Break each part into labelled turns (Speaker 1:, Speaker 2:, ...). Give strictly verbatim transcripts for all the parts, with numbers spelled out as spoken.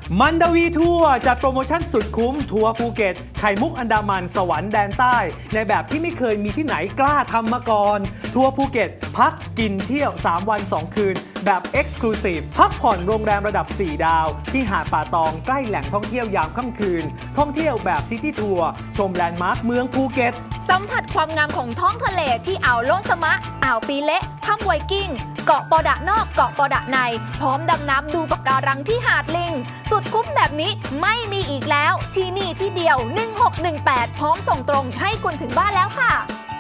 Speaker 1: มันดาวีทัวร์จัดโปรโมชั่นสุดคุ้มทัวร์ภูเก็ตไข่มุกอันดามันสวรรค์แดนใต้ในแบบที่ไม่เคยมีที่ไหนกล้าทำมาก่อนทัวร์ภูเก็ตพักกินเที่ยวสามวันสองคืนแบบ Exclusive พักผ่อนโรงแรมระดับสี่ดาวที่หาดป่าตองใกล้แหล่งท่องเที่ยวยามค่ำคืนท่องเที่ยวแบบซิตี้ทัวร์ชมแลนด์มาร์คเมืองภูเก็ต
Speaker 2: สัมผัสความงามของท้องทะเลที่อ่าวโลนสมะอ่าวปีเละถ้ำไวกิ้งเกาะปอดะนอกเกาะปอดะในพร้อมดำน้ำดูปะการังที่หาดลิงสุดคุ้มแบบนี้ไม่มีอีกแล้วที่นี่ที่เดียวหนึ่งหกหนึ่งแปดพร้อมส่งตรงให้คุณถึงบ้านแล้วค่ะ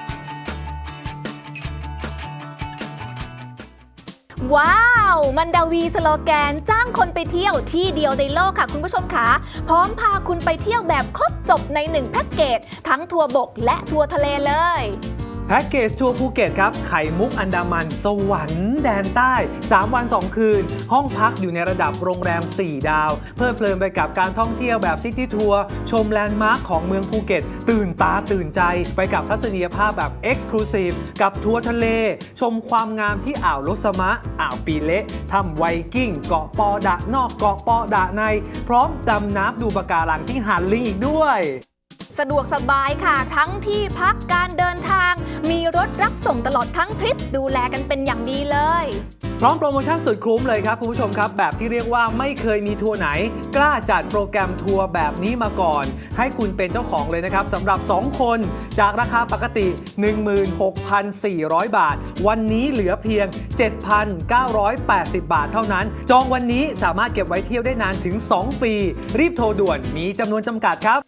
Speaker 2: ว้าวมันดาวีสโลแกนจ้างคนไปเที่ยวที่เดียวในโลกค่ะคุณผู้ชมคะพร้อมพาคุณไปเที่ยวแบบครบจบในหนึ่งแพ็กเกจทั้งทัวร์บกและทัวร์ทะเลเลย
Speaker 1: แพ็กเกจทัวร์ภูเก็ตครับไข่มุกอันดามันสวรรค์แดนใต้สามวันสองคืนห้องพักอยู่ในระดับโรงแรมสี่ดาวเพลิดเพลินไปกับการท่องเที่ยวแบบซิตี้ทัวร์ชมแลนด์มาร์คของเมืองภูเก็ตตื่นตาตื่นใจไปกับทัศนียภาพแบบ Exclusive กับทัวร์ทะเลชมความงามที่อ่าวลสมะอ่าวปีเละถ้ำไวกิ้งเกาะปอดะนอกเกาะปอดะในพร้อมดำน้ำดูปะการังที่หาดลิงอีกด้วย
Speaker 2: สะดวกสบายค่ะทั้งที่พักการเดินทางมีรถรับส่งตลอดทั้งทริปดูแลกันเป็นอย่างดีเลย
Speaker 1: พร้อมโปรโมชั่นสุดคุ้มเลยครับคุณผู้ชมครับแบบที่เรียกว่าไม่เคยมีทัวร์ไหนกล้าจัดโปรแกรมทัวร์แบบนี้มาก่อนให้คุณเป็นเจ้าของเลยนะครับสำหรับสองคนจากราคาปกติ หนึ่งหมื่นหกพันสี่ร้อย บาทวันนี้เหลือเพียง เจ็ดพันเก้าร้อยแปดสิบ บาทเท่านั้นจองวันนี้สามารถเก็บไว้เที่ยวได้นานถึงสองปีรีบโทรด่วนมีจำนวนจำกัดครับ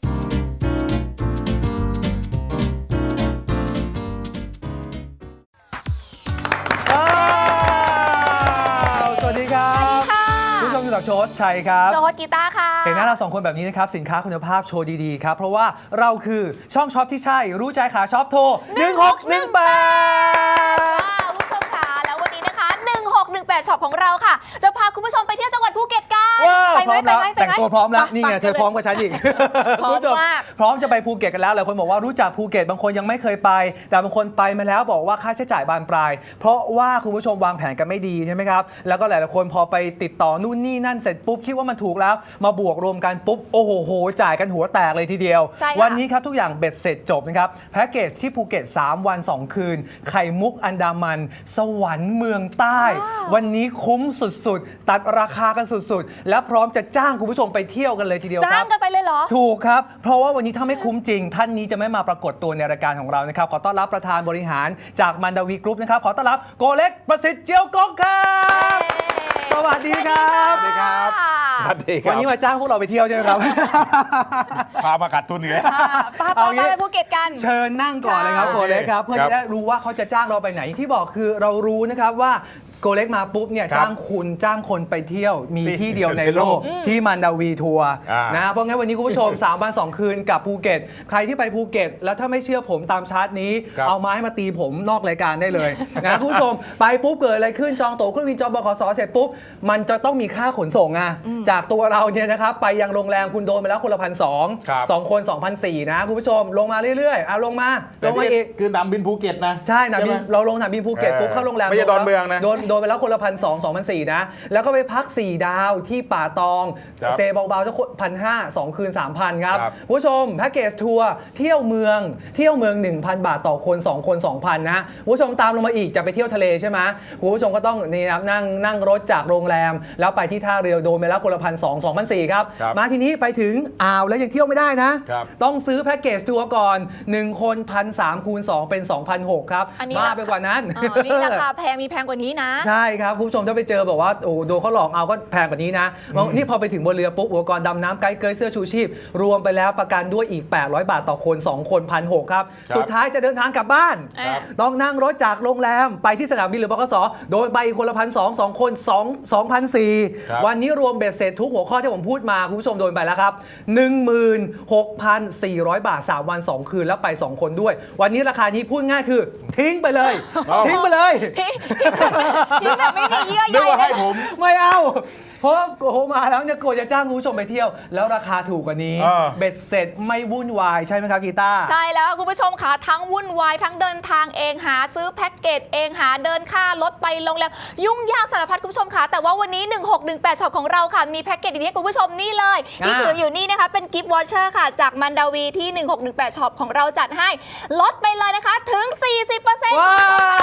Speaker 1: โชว์ชัยครับ
Speaker 2: โชว์กีตาร์ค่ะ
Speaker 1: เห็นหน้าเราสองคนแบบนี้นะครับสินค้าคุณภาพโชว์ดีๆครับเพราะว่าเราคือช่องช็อปที่ใช่รู้ใจขาช็อปโทรหนึ่งหกหนึ่งแปด
Speaker 2: คุณผู้ชมค่ะแล้ววันนี้นะคะหนึ่งหกหนึ่งแปดช็อปของเราค่ะจะพาคุณผู้ชมไปเที่ยวจังหวัดภูเก็ตกัน
Speaker 1: ไปไหมไปไหมแต่งตัวพร้อมแล้วนี่ไงเธอพร้อมกว่าฉันอีก
Speaker 2: พร้อมมาก
Speaker 1: พร้อมจะไปภูเก็ตกันแล้วหลายคนบอกว่ารู้จักภูเก็ตบางคนยังไม่เคยไปแต่บางคนไปมาแล้วบอกว่าค่าใช้จ่ายบานปลายเพราะว่าคุณผู้ชมวางแผนกันไม่ดีใช่ไหมครับแล้วก็หลายๆคนพอไปติดต่อนู่นนี่นั่นเสร็จปุ๊บคิดว่ามันถูกแล้วมาบวกรวมกันปุ๊บโอ้โหจ่ายกันหัวแตกเลยทีเดียววันนี้ครับทุกอย่างเบ็ดเสร็จจบนะครับแพ็กเกจที่ภูเก็ตสามวันสองคืนไข่มุกอันดามันสวรรค์เมืองใต้วันนี้คุ้มสุดๆตัดราคากันสุดๆและพร้อมจะจ้างคุณผู้ชมไปเที่ยวกันเลยทีเดียวครับ
Speaker 2: จ้างกันไปเลยเหรอ
Speaker 1: ถูกครับเพราะว่าวันนี้ถ้าไม่คุ้มจริงท่านนี้จะไม่มาปรากฏตัวในรายการของเรานะครับขอต้อนรับประธานบริหารจากมันดาวีกรุ๊ปนะครับขอต้อนรับโกเล็กประสิทธิ์เจียวกงครับสวัสดีครับ
Speaker 3: สวัสดีครับ
Speaker 1: วันนี้มาจ้างพวกเราไปเที่ยวใช่ไหมครับ
Speaker 3: พามากัดตุนเลย
Speaker 2: พาไปภูเก็ตกัน
Speaker 1: เชิญนั่งก่อนเลยครับโกเล็กครับเพื่อจะได้รู้ว่าเขาจะจ้างเราไปไหนที่บอกคือเรารู้นะครับว่าโกเล็กมาปุ๊บเนี่ยจ้างคุณจ้างคนไปเที่ยวมีที่เดียวในโลกที่มันดาวีทัวร์นะเพราะงั้นวันนี้คุณผู้ชมสามวันสองคืนกับภูเก็ตใครที่ไปภูเก็ตแล้วถ้าไม่เชื่อผมตามชาร์ตนี้เอาไม้มาตีผมนอกรายการได้เลยนะคุณผู้ชมไปปุ๊บเกิดอะไรขึ้นจองตั๋วเครื่องบินจองบขสเสร็จปุ๊บมันจะต้องมีค่าขนส่งอ่ะจากตัวเราเนี่ยนะครับไปยังโรงแรมคุณโดนไปแล้วคนละพันสองสองคนสองพันสี่นะคุณผู้ชมลงมาเรื่อยๆเอาลงมาลงมาอีก
Speaker 3: คือหนามบินภูเก็ตนะ
Speaker 1: ใช่หนามบินเราลงหนามบินภูเก็ตปุ๊บเข้าโรงแรม
Speaker 3: ไม่ใช่ดอนเมืองนะ
Speaker 1: โดนไปแล้วคนละพันสองสองพันสี่นะแล้วก็ไปพักสี่ดาวที่ป่าตองเซเบาๆจะพันห้าสองคืนสามพันครับผู้ชมแพ็กเกจทัวร์เที่ยวเมืองเที่ยวเมือง หนึ่งพัน บาทต่อคนสองคน สองพัน นะผู้ชมตามลงมาอีกจะไปเที่ยวทะเลใช่ไหมผู้ชมก็ต้องนี่นะนั่งนั่งรถจากโรงแรมแล้วไปที่ท่าเรือโดนไปแล้วคนละพันสองสองพันสี่ครับมาทีนี้ไปถึงอ่าวแล้วยังเที่ยวไม่ได้นะต้องซื้อแพ็กเกจทัวร์ก่อนหนึ่งคนพันสามคูณสองเป็น สองพันหกครับมากไปกว่านั้น
Speaker 2: นี่ราคาแพงมีแพงกว่านี้นะ
Speaker 1: ใช่ครับผู้ชมถ้าไปเจอบอกว่าโอ้โดนเขาหลอกเอาก็แพงกว่านี้นะนี่พอไปถึงบนเรือปุ๊บอุปกรณ์ดำน้ำไกด์เกยเสื้อชูชีพรวมไปแล้วประกันด้วยอีกแปดร้อยบาทต่อคนสองคน หนึ่งพันหกร้อย ครับสุดท้ายจะเดินทางกลับบ้านต้องนั่งรถจากโรงแรมไปที่สนามบินหรือบขสโดยไปคนละพันสองสองคนสองพันสี่วันนี้รวมเบ็ดเสร็จทุกหัวข้อที่ผมพูดมาคุณผู้ชมโดนไปแล้วครับ หนึ่งหมื่นหกพันสี่ร้อย บาทสามวันสองคืนแล้วไปสองคนด้วยวันนี้ราคานี้พูดง่ายคือทิ้งไปเลยทิ้งไปเลย
Speaker 2: ทิ้งแบบไม่มีเยื่อใย
Speaker 3: ให้ผม
Speaker 1: ไม่เอาเพราะโกมาแล้วเนี่ยโกจะจ้างคุณผู้ชมไปเที่ยว แล้วราคาถูกกว่านี้
Speaker 3: เออ
Speaker 1: เบ็ดเสร็จไม่วุ่นวายใช่ไหมครับกีตาร์
Speaker 2: ใช่แล้วคุณผู้ชมค่ะทั้งวุ่นวายทั้งเดินทางเองหาซื้อแพ็กเกจเองหาเดินค่ารถไปโรงแรมยุ่งยากสารพัดคุณผู้ชมค่ะแต่ว่าวันนี้หนึ่งหกหนึ่งแปดช็อปของเราค่ะมีแพ็กเกจดีๆให้คุณผู้ชมนี่เลยที่ถืออยู่นี่นะคะเป็นกิฟต์วอเชอร์ค่ะจากมันดาวีที่หนึ่งหกหนึ่งแปดช็อปของเราจัดให้ลดไปเลยนะคะถึง สี่สิบเปอร์เซ็นต์
Speaker 1: ว้าว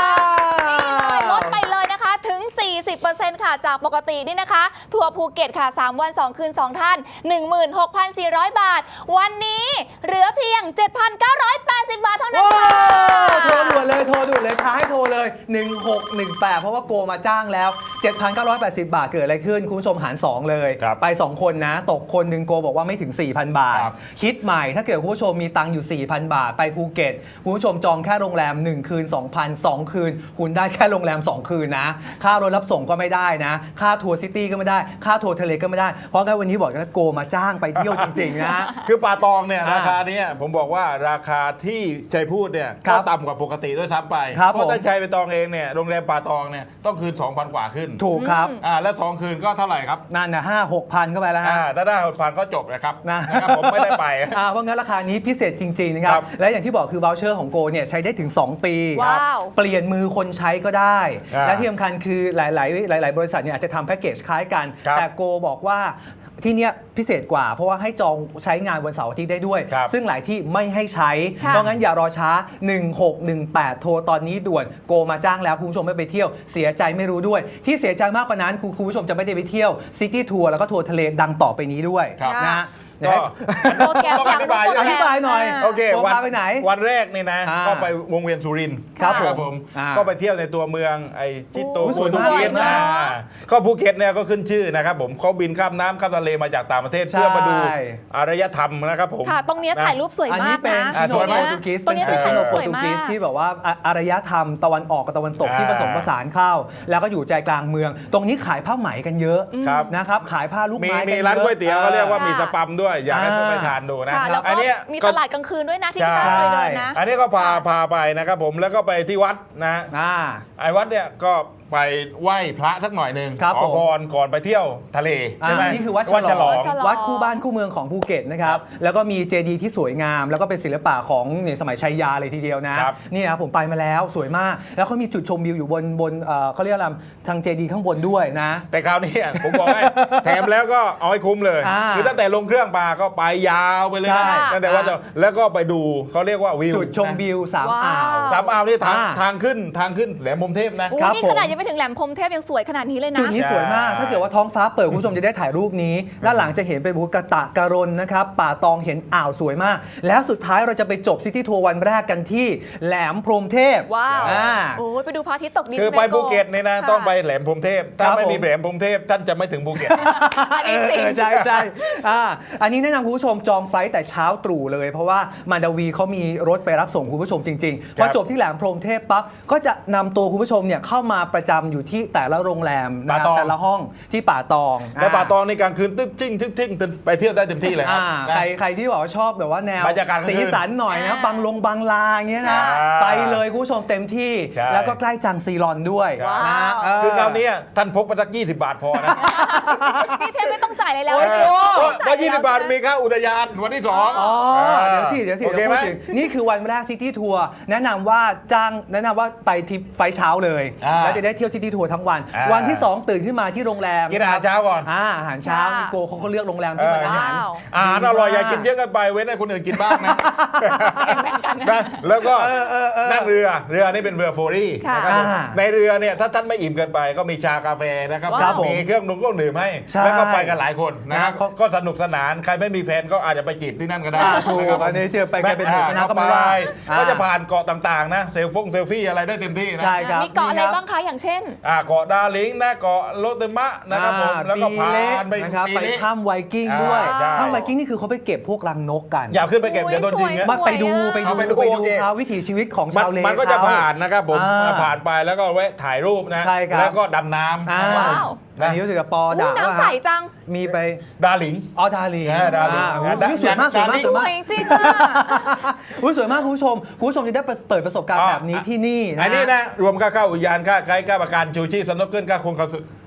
Speaker 2: ลดไปเลยนะคะถึง สี่สิบเปอร์เซ็นต์ ค่ะจากปกตินี่นะคะทัวร์ภูเก็ตค่ะสามวันสองคืนสองท่าน หนึ่งหมื่นหกพันสี่ร้อย บาทวันนี้เหลือเพียง เจ็ดพันเก้าร้อยแปดสิบ บาทเท่านั้น
Speaker 1: ว้า
Speaker 2: ค่ะ
Speaker 1: วโทรด่วนเลยโทรด่วนเลยท้าให้โทรเลยหนึ่งหกหนึ่งแปดเพราะว่าโกมาจ้างแล้ว เจ็ดพันเก้าร้อยแปดสิบ บาทเกิดอะไรขึ้นคุณผู้ชมหารสองเลย
Speaker 3: ครับ
Speaker 1: ไปสองคนนะตกคนหนึ่งโกบอกว่าไม่ถึง สี่พัน บาท
Speaker 3: ครับ
Speaker 1: คิดใหม่ถ้าเกิดคุณผู้ชมมีตังค์อยู่ สี่พัน บาท ไปภูเก็ตคุณผู้ชมจองแค่โรงแรมหนึ่งคืน สองพัน สองคืนคุณได้แค่โรงแรมสองคืนนะค่ารถรับส่งก็ไม่ได้นะค่าทัวร์ซิตี้ก็ไม่ได้ค่าทัวร์ทะเลก็ไม่ได้เพราะงั้นวันนี้บอกกันว่าโกมาจ้างไปเที่ยวจริงๆนะ
Speaker 3: คือป่าตองเนี่ย
Speaker 1: อ่า
Speaker 3: ราคาเนี้ยผมบอกว่าราคาที่ชัยพูดเนี่ย
Speaker 1: ครั
Speaker 3: ก็
Speaker 1: บ
Speaker 3: ต่ำกว่าปกติด้วยซ้ำไป
Speaker 1: ครับ
Speaker 3: เพราะ
Speaker 1: ผม
Speaker 3: ถ้าชัยไปตองเองเนี่ยโรงแรมป่าตองเนี่ยต้องคืน สองพัน กว่าขึ้น
Speaker 1: ถูกครับ
Speaker 3: อ่าแล้วสองคืนก็เท่าไหร่ครับ
Speaker 1: นั่นนะห้าหกพันเข้าไปแล้วฮะ
Speaker 3: อ่าถ้าได้หกพันก็จบนะครับ
Speaker 1: นะ
Speaker 3: นะครับผมไม่ได้ไป
Speaker 1: อ่าเพราะงั้นราคานี้พิเศษจริง ๆ นะครับ
Speaker 3: ครับ
Speaker 1: และอย่างที่บอกคือ v o ลเชอร์ของโกเนี่ยใช้ได้ถึง สอง ปี
Speaker 2: ว้าว
Speaker 1: เปลี่ยนมือคนใช้ก็ได้
Speaker 3: อ่า
Speaker 1: และที่สำคัญคือหลาย ๆ หลาย ๆ บริษัทเนี่ยอาจจะทำแพ็กเกจคล้ายกัน
Speaker 3: ครับ
Speaker 1: แต่โกบอกว่าที่เนี้ยพิเศษกว่า เพราะว่าให้จองใช้งานวันเสาร์อาทิตย์ได้ด้วย
Speaker 3: ครับ
Speaker 1: ซึ่งหลายที่ไม่ให้ใช้
Speaker 2: ค่ะ
Speaker 1: เพราะงั้นอย่ารอช้า หนึ่งหกหนึ่งแปด โทรตอนนี้ด่วนโกมาจ้างแล้วคุณผู้ชมไม่ไปเที่ยวเสียใจไม่รู้ด้วย ที่เสียใจมากกว่านั้นคุณคุณผู้ชมจะไม่ได้ไปเที่ยวซิตี้ทัวร์แล้วก็ทัวร์ทะเลดังต่อไปนี้ด้วย
Speaker 3: ครับ
Speaker 1: นะ
Speaker 3: ก็
Speaker 2: โปรแกรม
Speaker 3: ต้องอธิบาย
Speaker 2: โปรแกรม
Speaker 1: อธิบายหน่อย
Speaker 2: า
Speaker 3: โอเค
Speaker 1: โก
Speaker 3: วัน
Speaker 1: พาไปไหน
Speaker 3: วันแรกนี่นะ
Speaker 1: อ่า
Speaker 3: ก็ไปวงเวียนสุรินทร์
Speaker 1: ครับ
Speaker 3: นะ
Speaker 1: ผมอ่า
Speaker 3: ก็ไปเที่ยวในตัวเมืองไอ้ชิโต
Speaker 1: โอ้
Speaker 3: โปรตุ
Speaker 1: สวย
Speaker 3: เกส
Speaker 1: มาก
Speaker 3: นะก็ภูเก็ตเนี่ยก็ขึ้นชื่อนะครับผมเขาบินข้ามน้ำข้ามทะเลมาจากต่างประเทศ
Speaker 1: ใช่
Speaker 3: เพื่อมาดูอารยธรรมนะครับผม
Speaker 2: ค่ะ ตรงเนี้ย
Speaker 3: นะ
Speaker 2: ถ่ายรูปสวย
Speaker 1: อัน
Speaker 2: มา
Speaker 1: นี้
Speaker 2: ก
Speaker 1: เป็น
Speaker 2: นะ
Speaker 1: ชิโน
Speaker 3: สวย
Speaker 1: โป
Speaker 3: มาก
Speaker 1: รตุเกส
Speaker 2: ตรงนี้
Speaker 1: เป็น
Speaker 2: ถ่าย
Speaker 1: ชิโน
Speaker 2: รูป
Speaker 1: โป
Speaker 2: ส
Speaker 1: ร
Speaker 2: วย
Speaker 1: ตุ
Speaker 2: มา
Speaker 1: เกส
Speaker 2: ก
Speaker 1: ที่แบบว่าอ่ะอารยธรรมตะวันออกกับตะวันตก
Speaker 3: อ่า
Speaker 1: ที่ผสมผสานเข้า แล้วก็อยู่ใจกลางเมือง ตรงนี้ขายผ้าไหมกันเยอะ
Speaker 3: ครับ
Speaker 1: นะครับขายผ้าลูก
Speaker 3: มี
Speaker 1: ไม้กัน
Speaker 3: มี
Speaker 1: เยอะ
Speaker 3: ร้านก๋วยเตี๋ยวเขาเรียกว่า
Speaker 2: อ่ามี
Speaker 3: มีสปัมด้วย อยากให้
Speaker 1: อ่า
Speaker 3: ไปทานดูนะ
Speaker 2: ค่ะแล้ว
Speaker 3: อั
Speaker 2: ก็
Speaker 3: เนี้ย
Speaker 2: มี
Speaker 3: ก็
Speaker 2: ตลาดกลางคืนด้วยนะที่
Speaker 3: ใช่
Speaker 2: พี่ตาเคยเดินนะ
Speaker 3: อันนี้ก็พาพาไปนะครับผมแล้วก็ไปที่วัดนะ
Speaker 1: อ่า
Speaker 3: ไอ้วัดเนี่ยก็ไปไหว้พระสักหน่อยหนึ่ง
Speaker 1: ครับ
Speaker 3: ขอ
Speaker 1: ผม
Speaker 3: พรก่อนไปเที่ยวทะเล
Speaker 1: อ่า
Speaker 3: ใช่ไหม
Speaker 1: นี่คือวัด
Speaker 3: วัด
Speaker 1: ฉ
Speaker 3: ฉ
Speaker 1: ล
Speaker 3: ล
Speaker 1: อ
Speaker 3: อง ง
Speaker 1: วัดคู่บ้านคู่เมืองของภูเก็ตนะครับแล้วก็มีเจดีย์ที่สวยงาม แล้วก็เป็นศิลปะของในสมัยชัยยาเลยทีเดียวนะครับ นี่นะผมไปมาแล้วสวยมาก แล้วเขามีจุดชมวิวอยู่บนบนเอ่อเขาเรียกอะไรทางเจดีย์ข้างบนด้วยนะ
Speaker 3: แต่คราวนี้ผมบอกให้ แถมแล้วก็เอาให้คุ้มเลย
Speaker 1: อ่า
Speaker 3: คือตั้งแต่ลงเครื่องมาก็ไปยาวไปเลย
Speaker 1: ใช่
Speaker 3: ตั้งแต่ว่าจะแล้วก็ไปดูเขาเรียกว่าวิว
Speaker 1: จุดชมวิวสาม
Speaker 2: ว้าว
Speaker 1: อ่าว
Speaker 3: สามอ่าวนี่ทาง
Speaker 1: อ่า
Speaker 3: ทางขึ้นทางขึ้นแหลมพรหมเทพนะ
Speaker 2: โอ้
Speaker 1: ครับ
Speaker 2: นี่
Speaker 1: ผม
Speaker 2: ขนาดยังไม่ถึงแหลมพรหมเทพยังสวยขนาดนี้เลยนะ
Speaker 1: จุดนี้สวยมาก
Speaker 3: ใช่
Speaker 1: ถ้าเกิดว่าท้องฟ้าเปิดคุณผู้ชมจะได้ถ่ายรูปนี้ ด้านหลังจะเห็นเป็นบุกตะการนนะครับ ป่าตองเห็นอ่าวสวยมาก แล้วสุดท้ายเราจะไปจบซิตี้ทัวร์วันแรกกันที่แหลมพรหมเทพ
Speaker 2: ว้าว
Speaker 1: อ่า
Speaker 2: โอ้ยไปดูพระอาทิตย์ตกดิน
Speaker 3: คือไปภูเก็ตเนี่ยนะ
Speaker 2: ค่ะ
Speaker 3: ต้องไปแหลมพรหมเทพถ้า
Speaker 1: ครับ
Speaker 3: ไม่มี
Speaker 1: ผม
Speaker 3: แหลมพรหมเทพท่านจะไม่ถึงภูเก็ต
Speaker 2: อันนี้จริง
Speaker 1: เออใช่ใช่อ่าอันนี้แนะนำคุณผู้ชมจองไฟลท์แต่เช้าตรู่เลย เพราะว่ามันดาวีเขามีรถไปรับส่งคุณผู้ชมจริงๆ พอจบที่แหลมพรหมเทพปั๊บก็จะนำตัวคุณผู้ชมเนี่ยเข้ามาประจำอยู่ที่แต่ละโรงแรมนะครับ
Speaker 3: ป่าตอง
Speaker 1: แต่ละห้องที่ป่าตอง
Speaker 3: แล้วป่าตองในกลางคืนตึ๊กจิ้งตึ๊กจิ้งไปเที่ยวได้เต็มที่เลยครั
Speaker 1: อ่า
Speaker 3: นะ
Speaker 1: ใครใครที่บอกว่าชอบแบบว่าแนว
Speaker 3: บรรยากาศกลางคืน
Speaker 1: สีสันหน่อยนะ
Speaker 2: อ่า
Speaker 1: บางลงบางลาอย่างเงี้ยนะ
Speaker 3: ใช่
Speaker 1: ไปเลยคุณผู้ชมเต็มที่
Speaker 3: ใช่
Speaker 1: แล้วก็ใกล้จังซีรอนด้วย
Speaker 2: ว้าว
Speaker 1: นะเ
Speaker 3: คือคราวนี้ท่านพกไปสักยี่สิบบาทพอนะ
Speaker 2: พี่เทพไม่ต้องจ่ายอะไรแล้ว
Speaker 3: เออ
Speaker 2: ไม่ต้อง
Speaker 3: เพราะ
Speaker 2: จ่
Speaker 3: เพราะ
Speaker 2: ย
Speaker 3: ยี่สิบบาทมีค่าอุทยานวันที่สอง
Speaker 1: อ๋อเดี๋ยวสิเดี๋ยวสิ
Speaker 3: โอเค
Speaker 1: เดี๋ยว
Speaker 3: ไหม
Speaker 1: พูดถึงนี่คือวันแรกซิตี้ทัวร์แนะนำว่าจ้างแนะนำว่าไปทริปไฟล์เช้าเลย
Speaker 3: อ่า
Speaker 1: แล้วจะได้เที่ยวซิตี้ทัวร์ทั้งวัน
Speaker 3: อ่า
Speaker 1: วันที่สองตื่นขึ้นมาที่โรงแรม
Speaker 3: กินอาหารเช้าก่อน
Speaker 1: อ่าอาหารเช้า
Speaker 2: ค่ะ
Speaker 1: นิโกเขาก็เลือกโรงแรมที่มันอาหาร
Speaker 2: ว้าว
Speaker 3: อาหารอร่อยอย่ากินเยอะเกันไปเว้นให้คนอื่นกินบ้างนะนะแล้วก็นั่งเรือเรือนี่เป็นเรือโฟรี่
Speaker 2: ค่ะ
Speaker 3: นะครับผม
Speaker 1: อ่า
Speaker 3: ในเรือเนี่ยถ้าท่านไม่อิ่มเกินไปก็มีชากาแฟนะครับ
Speaker 2: ครับผม
Speaker 3: มีเครื่องดื่มเครื่องดื่มให้
Speaker 1: ใช่
Speaker 3: แล้วก็ไปกันหลายคนนะครับ
Speaker 1: นะ
Speaker 3: ก็สนุกสนานใครไม่มีแฟนก็อาจจะไปจีบที่นั่นก็ได้
Speaker 1: อ่าถูก
Speaker 3: นะครับผม
Speaker 1: อันนี้เจอไปกันเป็นหมู่คณะก็ไม่
Speaker 3: ไป
Speaker 1: ว่าอ่า
Speaker 3: ก็จะผ่านเกาะต่างๆนะเซลฟงเซลฟี่อะไรได้เต็มที่นะ
Speaker 1: ใช่ครับ
Speaker 2: มีเกาะอะไรบ้างคะอย่างเช่น
Speaker 3: อ่าเกาะดาลิงนะเกาะโลเตมะนะครับผมแล้วก็
Speaker 1: ปี
Speaker 3: ผ่า
Speaker 1: เล็ก
Speaker 3: นไป
Speaker 1: นะครับ
Speaker 3: ปี
Speaker 1: ไป
Speaker 3: เล็ก
Speaker 1: ถ้ำไวกิ้งด้วย
Speaker 3: อ่าใช่
Speaker 1: ถ้ำไวกิ้งนี่คือเขาไปเก็บพวกรังนกกัน
Speaker 3: อย่าขึ้นไปเก็บเดี๋ยวโดนยิงนะ
Speaker 2: สวย
Speaker 1: มาไปดูไปดู
Speaker 3: เอาไปดู
Speaker 1: ไปดู
Speaker 3: โอเค
Speaker 1: เขาวิถีชีวิตของ
Speaker 3: มัน
Speaker 1: ชาวเล
Speaker 3: มันก็จะ
Speaker 1: เข
Speaker 3: ผ่านนะครับผม
Speaker 1: อ่า
Speaker 3: ผ่านไปแล้วก็แวะถ่ายรูปนะ
Speaker 1: ใช่ครับ
Speaker 3: แล้วก็ดำน้ำ
Speaker 1: อ่า
Speaker 2: ว้าว
Speaker 1: อันนี้รู้สึกกับปอ
Speaker 2: อู้
Speaker 1: ด่า
Speaker 2: น้ำใสจัง
Speaker 1: มีไป
Speaker 3: ดาหลิง
Speaker 1: ออดาลี
Speaker 3: เออดาลี
Speaker 1: โอ้โห
Speaker 3: ดา
Speaker 1: สวยมากสวยมาก
Speaker 3: ดาลี
Speaker 1: ส
Speaker 2: ส
Speaker 1: วย
Speaker 2: ว
Speaker 1: มาก
Speaker 2: ยจริงๆอะ
Speaker 1: อุ๊ยสวยมากคุณผู้ชมคุณผู้ชมจะได้เปิดประสบการณ์แบบนี้ที่นี่นะ
Speaker 3: อันนี้นะรวมค่าเข้าอุทยานค่าไกด์ค่าประกันชูชีพสนุกเกินค่าคงค่า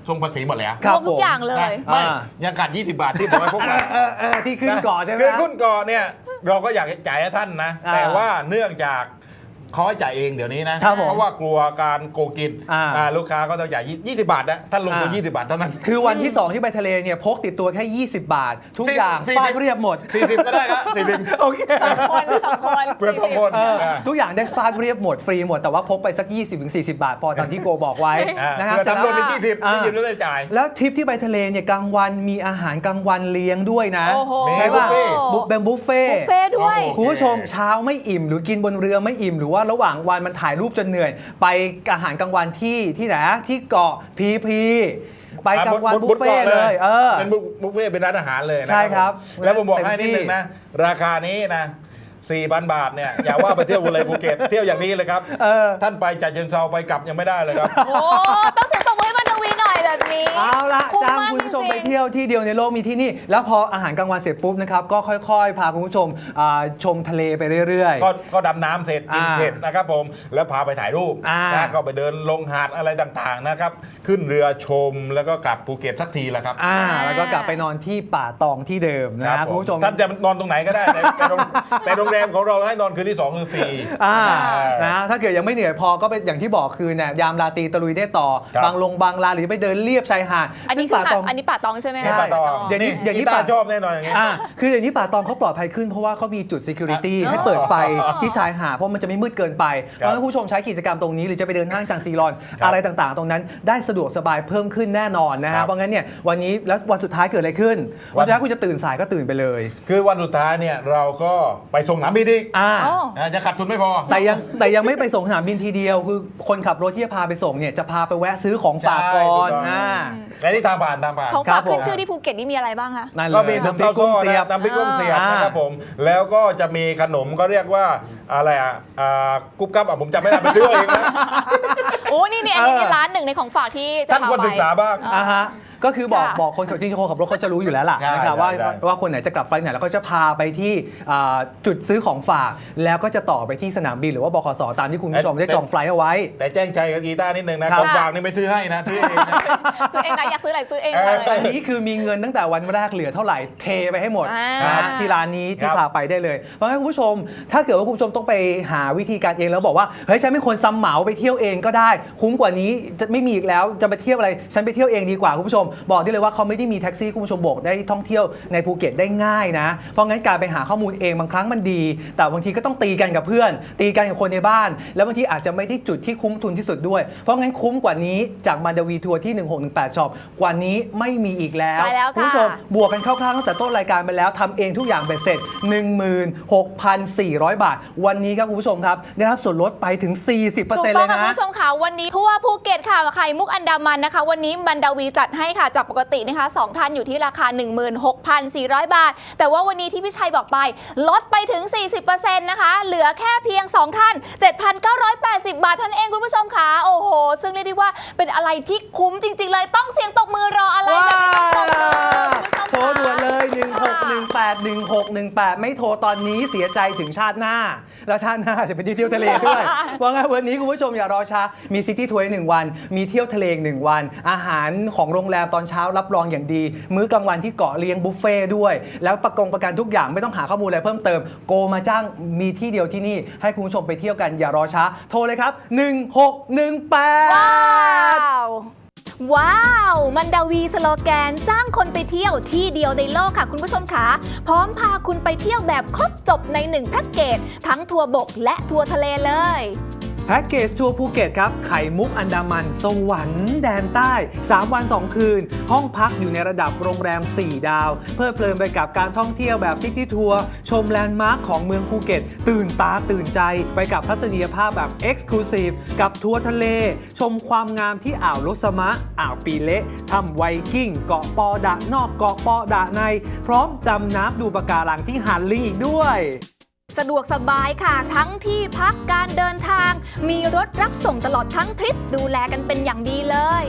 Speaker 3: ทรงภาษีหมดแล้ว
Speaker 1: ครั
Speaker 2: ร
Speaker 1: บ
Speaker 2: วมทุกอย่างเลย
Speaker 3: นะไม่
Speaker 1: อ่า
Speaker 3: ยังขาดยี่สิบบาทที่บอกให้พวกเรา
Speaker 1: เออเออที่ขึ้นเกาะใช่ไหม
Speaker 3: คือขึ้นเกาะเนี่ยเราก็อยากจ่ายให้ท่านนะ
Speaker 1: อ่า
Speaker 3: แต่ว่าเนื่องจากเขาให้จ่ายเองเดี๋ยวนี้นะครับ
Speaker 1: ผม
Speaker 3: เพราะว่ากลัวการโกงกิน
Speaker 1: อ่า
Speaker 3: อ่าลูกค้าก็ต้องจ่ายยี่สิบบาทนะท่านลงทุน
Speaker 1: อ่า
Speaker 3: ยี่สิบบาทเท่านั้น
Speaker 1: คือวันที่ สอง ที่ไปทะเลเนี่ยพกติดตัวแค่ ยี่สิบบาท ทุก
Speaker 3: สี่
Speaker 1: อย่าง
Speaker 3: สี่สิบ
Speaker 1: ฟาดเรียบหมด
Speaker 3: สี่สิบก็ได้ครับสี่สิบ
Speaker 1: โอเค
Speaker 2: สองคนสองคน
Speaker 3: เพื่อนสองคน
Speaker 1: เออ
Speaker 3: อ่า
Speaker 1: ทุกอย่างได้ฟาดเรียบหมดฟรีหมดแต่ว่าพกไปสัก ยี่สิบถึงสี่สิบ บาท พอตามที่โกบอกไว้
Speaker 3: อ่า
Speaker 1: นะครับ
Speaker 3: เพื่อทำรวมเป็น
Speaker 1: เสร็
Speaker 3: ยี่
Speaker 1: จ
Speaker 3: สิบ
Speaker 1: อ่า
Speaker 3: ยี่สิบแล้วได้จ่าย
Speaker 1: แล้วทริปที่ไปทะเลเนี่ยกลางวันมีอาหารกลางวันเลี้ยงด้วยนะ
Speaker 2: โอ้โห
Speaker 1: ใช่ป่ะ
Speaker 3: บุฟเฟ่ต์
Speaker 1: บุฟเป็นบุฟเฟ่ต์
Speaker 2: บุฟเฟ่ด้วย
Speaker 3: โอ้โห
Speaker 1: คุณผู้ชมเช้าไม่อิ่มหรือกินบนเรือไม่อิ่มหรือว่าระหว่างวันมันถ่ายรูปจนเหนื่อย ไปอาหารกลางวันที่ที่ไหนที่เกาะพีพีไปกลางวันบุฟเฟ่ต์เลยเออ
Speaker 3: เป็นบุฟเฟ่ต์เป็นร้านอาหารเลยนะ
Speaker 1: ใช่ครับ
Speaker 3: ผมแล้วผมบอกให้
Speaker 1: เต็มที่
Speaker 3: นิดนึงนะ ราคานี้นะสี่พัน บาทเนี่ยอย่าว่าไปเที่ยวเลยภูเก็ตเที่ยวอย่างนี้เลยครับ
Speaker 1: เออ
Speaker 3: ท่านไปจากเชิงเซาไปกลับยังไม่ได้เลยครับ
Speaker 2: โอ้ต้องเสียงตบมือให้มันดวีหน่อยแบบนี้
Speaker 1: เอาละ
Speaker 2: คุ้ม
Speaker 1: จ้าง
Speaker 2: มาก
Speaker 1: คุณผู้ชม
Speaker 2: จริงๆ
Speaker 1: ไปเที่ยวที่เดียวในโลกมีที่นี่ แล้วพออาหารกลางวันเสร็จปุ๊บนะครับก็ค่อยๆ พาคุณผู้ชมอ่าชมทะเลไปเรื่อย
Speaker 3: ก็ก็ดำน้ำเสร็จกิน
Speaker 1: อ่า
Speaker 3: เผ็ดนะครับผมแล้วพาไปถ่ายรูป
Speaker 1: อ่า
Speaker 3: นะก็ไปเดินลงหาดอะไรต่างๆนะครับขึ้นเรือชมแล้วก็กลับภูเก็ตสักทีแหละครับ
Speaker 1: ๆอ่าแล้วก็กลับไปนอนที่ป่าตองที่เดิม
Speaker 3: ค
Speaker 1: นะ
Speaker 3: รับ
Speaker 1: คุณผู้ชม
Speaker 3: ท่านจะนอนตรงไหนก็ได้แต่แต่โรงแต่โรงแรมของเราให้นอนคืนที่สองคือฟรี
Speaker 1: อ่า
Speaker 3: อ่า
Speaker 1: นะถ้าเกิดยังไม่เหนื่อยพอก็เป็นอย่างที่บอกคือเนี่ยยามราตรีตะลุยได้ต่อ
Speaker 3: ครับ
Speaker 1: บางลงบางลาหรือไปเดินเลียบชายหาด
Speaker 2: อันนี้
Speaker 1: ซึ่ง
Speaker 2: คือ
Speaker 1: ป่า
Speaker 2: หาด
Speaker 1: ตอง
Speaker 2: อันนี้ป่าตองใช่ไหม
Speaker 3: ใช่
Speaker 2: คะ
Speaker 3: ป่าตอง
Speaker 1: เดี๋ยวนี้เดี๋ยวนี้
Speaker 3: ตา
Speaker 1: ป่า
Speaker 3: ชอบแน่นอนอย่างนี้
Speaker 1: อ่าคือเดี๋ยวนี้ป่าตองเขาปลอดภัยขึ้นเพราะว่าเขามีจุด security
Speaker 2: อ๋อ
Speaker 1: ให้เปิดไฟที่ชายหาดเพราะมันจะไม่มืดเกินไปเพ
Speaker 3: ครับ
Speaker 1: ราะฉะนั้นผู้ชมใช้กิจกรรมตรงนี้หรือจะไปเดินห้างจังซีรอน
Speaker 3: ครับ
Speaker 1: อะไรต่างๆ ตรงนั้นได้สะดวกสบายเพิ่มขึ้นแน่นอนนะ
Speaker 3: ครั
Speaker 1: ฮะ
Speaker 3: บ
Speaker 1: เพราะงั้นเนี่ยวันนี้แล้ววันสุดท้ายเกิดอะไรขึ้น
Speaker 3: วั
Speaker 1: วัน นสุดท้ายคุณจะตื่นสายก็ตื่นไปเลย
Speaker 3: คือวันสุดท้ายเนี่ยเราก็ไปส่งสนามบินอีก
Speaker 1: อ่า
Speaker 2: อ๋อ
Speaker 3: นะจะขาดทุนไม่พอ
Speaker 1: แต่ยังแต่ยังไม่ไปส่งสนามบินทีเดียว คือคนขับรถที่จะพาไปส่งเนี่ยจะพาไปแวะซื้อของฝากก่อน
Speaker 3: ใช่ถูกต้อง
Speaker 1: อ่า
Speaker 3: และที่ทางผ่านทางผ่าน
Speaker 2: ของ
Speaker 1: ครั
Speaker 2: ฝา
Speaker 1: บ
Speaker 2: กขึ้น
Speaker 1: ผม
Speaker 2: ชื่อที่ภูเก็ตนี่มีอะไรบ้างคะ
Speaker 1: นั่นเล
Speaker 3: ก็
Speaker 1: ย
Speaker 3: มี
Speaker 1: น้ำ
Speaker 3: น้ำ
Speaker 1: พริ
Speaker 3: เต้าก
Speaker 1: กุ้
Speaker 3: โซ่
Speaker 1: งเสียบ
Speaker 3: นะน้ำพริกกุ้งเสียบ
Speaker 1: อ่าน
Speaker 3: นะครับผมแล้วก็จะมีขนมก็เรียกว่าอะไรอ่ะอ่ากุ๊บกับอ่ะผมจำไม่ได้ไปซื้อเอาเองนะ
Speaker 2: โอ้นี่นี่อันนี้
Speaker 1: เออ
Speaker 2: มีร้านหนึ่งในของฝากที่จะ
Speaker 3: ท่าน
Speaker 2: พา
Speaker 3: ควร
Speaker 2: ไป
Speaker 3: ศึกษาบ้าง
Speaker 1: อ่าฮะก็คือบอก
Speaker 2: ค่ะ
Speaker 1: บอกคนขับจริงๆคนขับรถเขาจะรู้อยู่แล้วล่ะ
Speaker 3: ใช่
Speaker 1: นะครับว่า
Speaker 3: ใช่
Speaker 1: ว่าคนไหนจะกลับไฟล์ไหนแล้วก็จะพาไปที่อ่าจุดซื้อของฝาก แล้วก็จะต่อไปที่สนามบินหรือว่าบขสตามที่คุณผู้ชมได้จองไฟล์เอาไว้
Speaker 3: แต่แจ้งใจกับกีตาร์นิดนึงนะ
Speaker 1: ครั
Speaker 3: ข
Speaker 1: บ
Speaker 3: องฝากนี่ไม่ซื้อให้นะซื้อเองนะ
Speaker 2: ซื้อเองนะอยากซื้ออะไรซื้อเอง
Speaker 3: เอ
Speaker 2: เล
Speaker 3: อ
Speaker 2: ย
Speaker 1: ตอนนี้คือมีเงินตั้งแต่วันแรกเหลือเท่าไหร่เทไปให้หมด
Speaker 2: อ่าน
Speaker 1: นะฮะที่ร้านนี้ที่
Speaker 3: ครับ
Speaker 1: พาไปได้เลย เพราะงั้นคุณผู้ชม ถ้าเกิดว่าคุณผู้ชมต้องไปหาวิธีการเองแล้วบอกว่าเฮ้ยฉันไม่ควรซ้ำเหมาไปเที่ยวเองก็ได้ คุ้มกว่านี้จะไม่มีอีกแล้วจะไปเที่ยวอะไรฉันไปเที่ยวเองดีกว่าคุณผู้ชม บอกได้เลยว่าเขาไม่ได้มีแท็กซี่คุณผู้ชมบอกได้ท่องเที่ยวในภูเก็ตได้ง่ายนะ เพราะงั้นการไปหาข้อมูลเองบางครั้งมันดี แต่บางทีก็ต้องตีกันกับเพื่อน ตีกันกับคนในบ้าน แล้วบางทีอาจจะไม่ได้จุดที่คุ้มทุนที่สุดด้วย เพราะงั้นคุ้มกว่านี้จากมันดาวีทัวร์ที่หนึ่งหกหนึ่งแปดช็อปกว่านี้ไม่มีอีกแล้ว
Speaker 2: ใช่แล้วค่ะ
Speaker 1: ณผู้ชม บวกกันคร่าวๆตั้งแต่ต้นรายการไปแล้วทำเองทุกอย่างเบ็ดเสร็จ หนึ่งหมื่นหกพันสี่ร้อย บาท วันนี้ครับคุณผู้ชมครับ ได้รับส่วนลดไปถึง สี่สิบเปอร์
Speaker 2: ถู
Speaker 1: เซ็น
Speaker 2: ก
Speaker 1: ต์
Speaker 2: ต้
Speaker 1: เล
Speaker 2: อง
Speaker 1: ย
Speaker 2: ค่ะ
Speaker 1: นะ
Speaker 2: คุณผู้ชมค่ะวันนี้ทั่วภูเก็ตค่ะไข่มุกอันดามันนะคะ วันนี้บันดาวีจัดให้ค่ะจากปกตินะคะสองท่านอยู่ที่ราคา หนึ่งหมื่นหกพันสี่ร้อย บาท แต่ว่าวันนี้ที่พี่ชัยบอกไปลดไปถึง สี่สิบเปอร์เซ็นต์ นะคะ เหลือแค่เพียง สอง ท่าน เจ็ดพันเก้าร้อยแปดสิบ บาทเท่านั้นเองคุณผู้ชมค่ะโอ้โห ซึ่งเรียกได้ว่าเป็นอะไรที่คุ้มจริง ๆ เลยต้องเสียงตบมือรออะไร
Speaker 1: ว้า
Speaker 2: แบบนี้ต้องตบมือคุณผู้ชม
Speaker 1: โทรด่วนเลย หนึ่งหก
Speaker 2: ค่ะ
Speaker 1: หนึ่งแปด หนึ่งหกหนึ่งแปด ไม่โทรตอนนี้เสียใจถึงชาติหน้า แล้วชาติหน้าจะไปเที่ยวทะเลด้วย เพราะงั้นวันนี้คุณผู้ชมอย่ารอช้ามีซิตี้ทัวร์หนึ่งวัน มีเที่ยวทะเลอีกหนึ่งวัน อาหารของโรงแรมตอนเช้ารับรองอย่างดี มื้อกลางวันที่เกาะเลี้ยงบุฟเฟ่ด้วย แล้วประกงประกันทุกอย่างไม่ต้องหาข้อมูลอะไรเพิ่มเติมโกมาจ้างมีที่เดียวที่นี่ให้คุณผู้ชมไปเที่ยวกันอย่ารอช้า โทรเลยครับหนึ่งหกหนึ่งแปด
Speaker 2: ว้าว ว้าว มันดาวีสโลแกนจ้างคนไปเที่ยวที่เดียวในโลกค่ะคุณผู้ชมค่ะพร้อมพาคุณไปเที่ยวแบบครบจบในหนึ่งแพ็กเกจทั้งทัวร์บกและทัวร์ทะเลเลย
Speaker 1: แพ็กเกจทัวร์ภูเก็ตครับ ไข่มุกอันดามัน สวรรค์แดนใต้ สาม วัน สอง คืน ห้องพักอยู่ในระดับโรงแรม สี่ ดาว เพลิดเพลินไปกับการท่องเที่ยวแบบซิตี้ทัวร์ชมแลนด์มาร์คของเมืองภูเก็ต ตื่นตาตื่นใจไปกับทัศนียภาพแบบ Exclusive กับทัวร์ทะเล ชมความงามที่อ่าวลสมะ อ่าวปีเละถ้ำไวกิ้ง เกาะปอดะนอกเกาะปอดะใน พร้อมดำน้ำดูปะการังที่หาดลิงอีกด้วย
Speaker 2: สะดวกสบายค่ะทั้งที่พักการเดินทาง มีรถรับส่งตลอดทั้งทริปดูแลกันเป็นอย่างดีเลย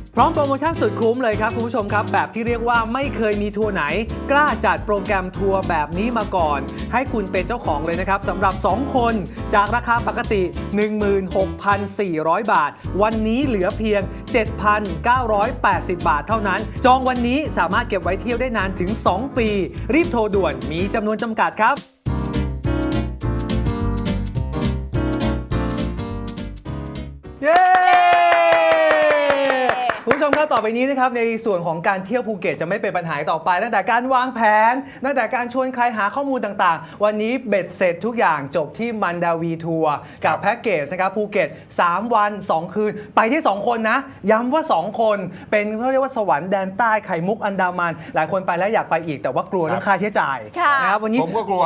Speaker 1: พร้อมโปรโมชั่นสุดคุ้มเลยครับคุณผู้ชมครับแบบที่เรียกว่าไม่เคยมีทัวร์ไหนกล้าจัดโปรแกรมทัวร์แบบนี้มาก่อน ให้คุณเป็นเจ้าของเลยนะครับสำหรับ สอง คนจากราคาปกติ หนึ่งหมื่นหกพันสี่ร้อย บาท วันนี้เหลือเพียง เจ็ดพันเก้าร้อยแปดสิบ บาทเท่านั้น จองวันนี้สามารถเก็บไว้เที่ยวได้นานถึง สอง ปี รีบโทรด่วนมีจำนวนจำกัดครับเย้คุณผู้ชมครับต่อไปนี้นะครับในส่วนของการเที่ยวภูเก็ตจะไม่เป็นปัญหาต่อไปตั้งแต่การวางแผนตั้งแต่การชวนใครหาข้อมูลต่างๆวันนี้เบ็ดเสร็จทุกอย่างจบที่มันดาวีทัวร์กับแพ็กเกจนะครับภูเก็ตสามวันสองคืนไปที่สองคนนะย้ำว่าสองคนเป็นเขาเรียกว่าสวรรค์แดนใต้ไข่มุกอันดามันหลายคนไปแล้วอยากไปอีกแต่ว่ากลัวเรื่องค่าใช้จ่ายนะครับวันนี้
Speaker 3: ผมก็กลัว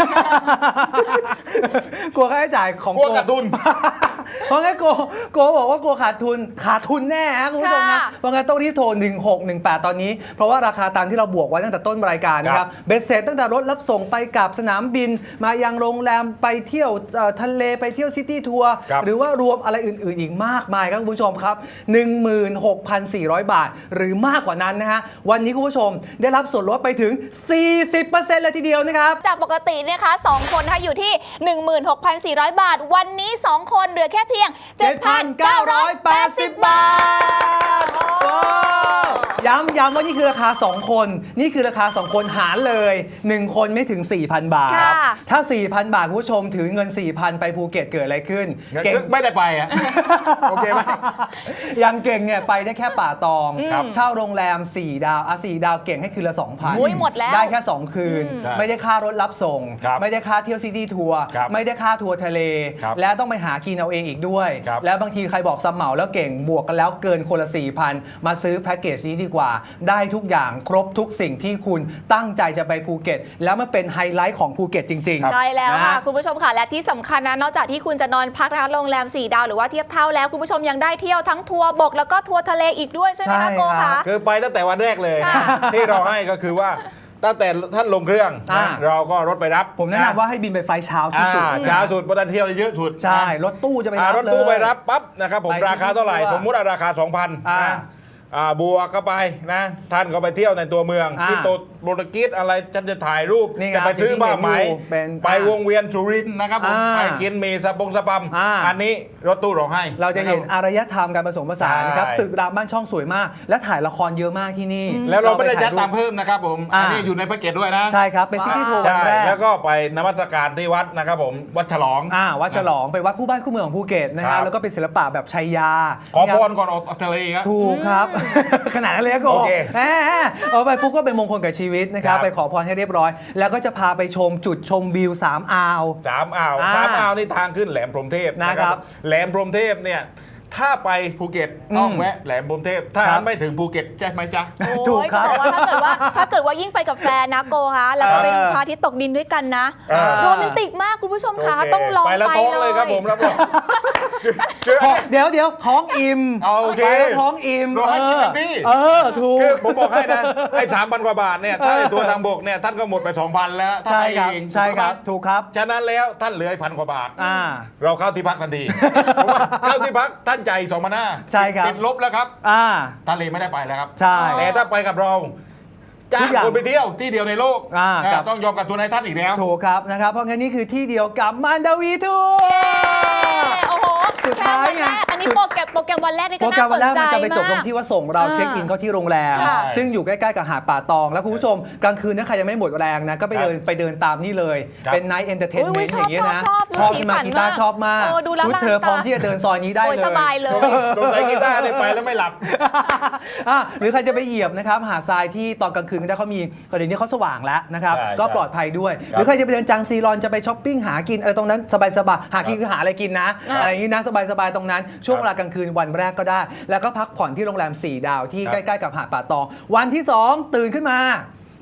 Speaker 1: กลัวค่าใช้จ่ายของ
Speaker 3: กลัวขาดทุน
Speaker 1: เพราะงั้นโกโกบอกว่ากลัวขาดทุนขาดทุนแน่ฮะคุณผู้ชมนะเพราะงั้นต้องรีบโทรหนึ่งหกหนึ่งแปดตอนนี้เพราะว่าราคาตามที่เราบวกไว้ตั้งแต่ต้นรายการนะครับเบ็ดเสร็จตั้งแต่รถรับส่งไปกับสนามบินมายังโรงแรมไปเที่ยวทะเลไปเที่ยวซิตี้ทัวร์หรือว่ารวมอะไรอื่นๆอีกมากมายครับคุณผู้ชมครับ หนึ่งหมื่นหกพันสี่ร้อย บาทหรือมากกว่านั้นนะฮะวันนี้คุณผู้ชมได้รับส่วนลดไปถึง สี่สิบเปอร์เซ็นต์ เลยทีเดียวนะครับ
Speaker 2: จากปกตินะคะสองคนนะคะอยู่ที่ หนึ่งหมื่นหกพันสี่ร้อย บาทวันนี้สองคนเหลือแค่เพียง เจ็ดพันเก้าร้อยแปดสิบ บาทย้ำย้ำว่านี่คือราคาสองคนนี่คือราคาสองคนหารเลยหนึ่งคนไม่ถึง สี่พัน บาทถ้า สี่พัน บาทคุณผู้ชมถือเงิน สี่พัน ไปภูเก็ตเกิดอะไรขึ้น
Speaker 3: เก่งไม่ได้ไปอ่ะ โอเคไหม
Speaker 1: ยังเก่งเนี่ยไปได้แค่ป่าตองเช่าโรงแรมสี่ดาวอ่ะสี่ดาวเก่งให้คืนละ สองพัน
Speaker 2: หมดแล้ว
Speaker 1: ได้แค่สองคืนไม่ได้ค่ารถรับส่งไม่ได้ค่าเที่ยวซิตี้ทัวร์ไม่ได้ค่าทัวร์ทะเลแล้วต้องไปหากินเอาเองอีกด้วยแล้วบางทีใครบอกซัมเหมาแล้วเก่งบวกกันแล้วเกินคนละ สี่พัน มาซื้อแพ็กเกจนี้ดีกว่าได้ทุกอย่างครบทุกสิ่งที่คุณตั้งใจจะไปภูเก็ตแล้วมันเป็นไฮไลท์ของภูเก็ตจริง
Speaker 2: ๆใช่แล้วค่ะคุณผู้ชมค่ะและที่สำคัญนะนอกจากที่คุณจะนอนพักนะคะโรงแรมสี่ดาวหรือว่าเทียบเท่าแล้วคุณผู้ชมยังได้เที่ยวทั้งทัวร์บกแล้วก็ทัวร์ทะเลอีกด้วยใช่ไหมคะโกคะ
Speaker 3: คือไปตั้งแต่วันแรกเลยที่เราให้ก็คือว่าตั้งแต่ท่านลงเครื่องเราก็รถไปรับ
Speaker 1: ผมแนะนำว่าให้บินไปไฟเช้าที่สุด
Speaker 3: เช้าสุดเพราะท่านเที่ยวเยอะสุด
Speaker 1: ใช่รถตู้จะไปรับ
Speaker 3: รถตู้ไปรับปั๊บนะครับผมราคาเท่าไหร่สมมุติราคา สองพัน บัวก็ไปนะท่านก็ไปเที่ยวในตัวเมืองที่โตโปรตุเกสอะไรฉันจะถ่ายรูปจะไปซื้อบ้าไหมไปวงเวียนสุรินทร์นะครับผมไปกินเมสปงสปัมอันนี้รถตู้ร้องให้
Speaker 1: เราจะเห็นอารยธรรมการผสมผสานนะครับตึกรามบ้านช่องสวยมากและถ่ายละครเยอะมากที่นี่
Speaker 3: แล้วเราไม่ได้จัดตามเพิ่มนะครับผมอันนี้อยู่ในแพ็กเกจด้วยนะ
Speaker 1: ใช่ครับเป็นซิตี้ทัวร์วันแรก
Speaker 3: แล้วก็ไปนมัสการที่วัดนะครับผมวัดฉลอง
Speaker 1: อ่าวัดฉลองไปวัดคู่บ้านคู่เมืองของภูเก็ตนะครับแล้วก็เป็นศิลปะแบบชัยยา
Speaker 3: ขอพรก่อนออกทะเลครับ
Speaker 1: ถูกครับขนาดนั้นเลยก็แหมเอาไปปุ๊บก็เป็นมงคลกับชีวิตนะครับไปขอพรให้เรียบร้อยแล้วก็จะพาไปชมจุดชมวิวสามอ่าว
Speaker 3: สามอ่าวสามอ่าวนี่ทางขึ้นแหลมพรหมเทพนะครับแหลมพรหมเทพเนี่ยถ้าไปภูเก็ตต้องแวะแหลมพรหมเทพถ้าไม่ถึงภูเก็ตใช่ไหมจ๊ะ
Speaker 1: ถูกครับ
Speaker 2: ว่าถ้าเกิดว่าถ้าเกิดว่ายิ่งไปกับแฟนนะโกคะแล้วก็ไปดูพระอาทิตย์ตกดินด้วยกันนะโรแมนติกมากคุณผู้ชมคะต้องลองไป
Speaker 3: เลยครับผมรับรอง
Speaker 1: เดี๋ยวเดี๋ยวท้องอิ่ม
Speaker 3: โอเค
Speaker 1: ท้องอิ่ม
Speaker 3: เราให้กินเต็มที่
Speaker 1: เออถูก
Speaker 3: ผมบอกให้นะไอ้สามพันกว่าบาทเนี่ยถ้าตัวทางบกเนี่ยท่านก็หมดไปสองพันแล้ว
Speaker 1: ใช่ครับใช่ครับถูกครับ
Speaker 3: ฉะนั้นแล้วท่านเหลือพันกว่าบาทเราเข้าที่พักทันทีเพราะว่าเข้าที่พักท่านใจสองพันห้า
Speaker 1: ใช่ครับ
Speaker 3: ติดลบแล้วครับทะเลไม่ได้ไปแล้วครับ
Speaker 1: ใช่
Speaker 3: แต่ถ้าไปกับเราจ้างคนไปเที่ยวที่เดียวในโลกต้องยอมกับตัวในท่านอีกแล้ว
Speaker 1: ถูกครับนะครับเพราะงั้นนี่คือที่เดียวกับมันดาวีทัวร์
Speaker 2: โอ้โหสุดท้ายไงอันนี้โปรแกรมโปรแกรมวันแรกนี่ก็น่าสนใจมากโปรแกรมวันแรกมันจะไปจบตรงที่ว่าส่งเราเช็คอินเข้าที่โรงแรมซึ่งอยู่ใกล้ๆกับหาดป่าตองแล้วคุณผู้ชมกลางคืนถ้าใครยังไม่หมดแรงนะก็ไปเดินไปเดินตามนี่เลยเป็นไนท์เอนเตอร์เทนเมนต์อย่างเงี้ยนะชอบที่มากีตาร์ชอบมากชุดเธอพร้อมที่จะเดินซอยนี้ได้เลยสบายเลย
Speaker 3: สงสัยกีตาร์ไปแล้วไม่หลับ
Speaker 1: หรือใครจะไปเหยียบนะครับหาดทรายที่ตอนกลางคืนได้เขามีตอนนี้เขาสว่างแล้วนะครับก็ปลอดภัยด้วยหรือใครจะไปเดินจังซีรอนจะไปช้อปปิ้งหากินอะไรตรงนั้นสบายๆหากินคือหาอะไรกินนะอะไรอย่างนี้นะสบายๆตรงนั้นช่วงเวลากลางคืนวันแรกก็ได้แล้วก็พักผ่อนที่โรงแรมสี่ดาวที่ใกล้ๆกับหาดป่าตองวันที่สองตื่นขึ้นมา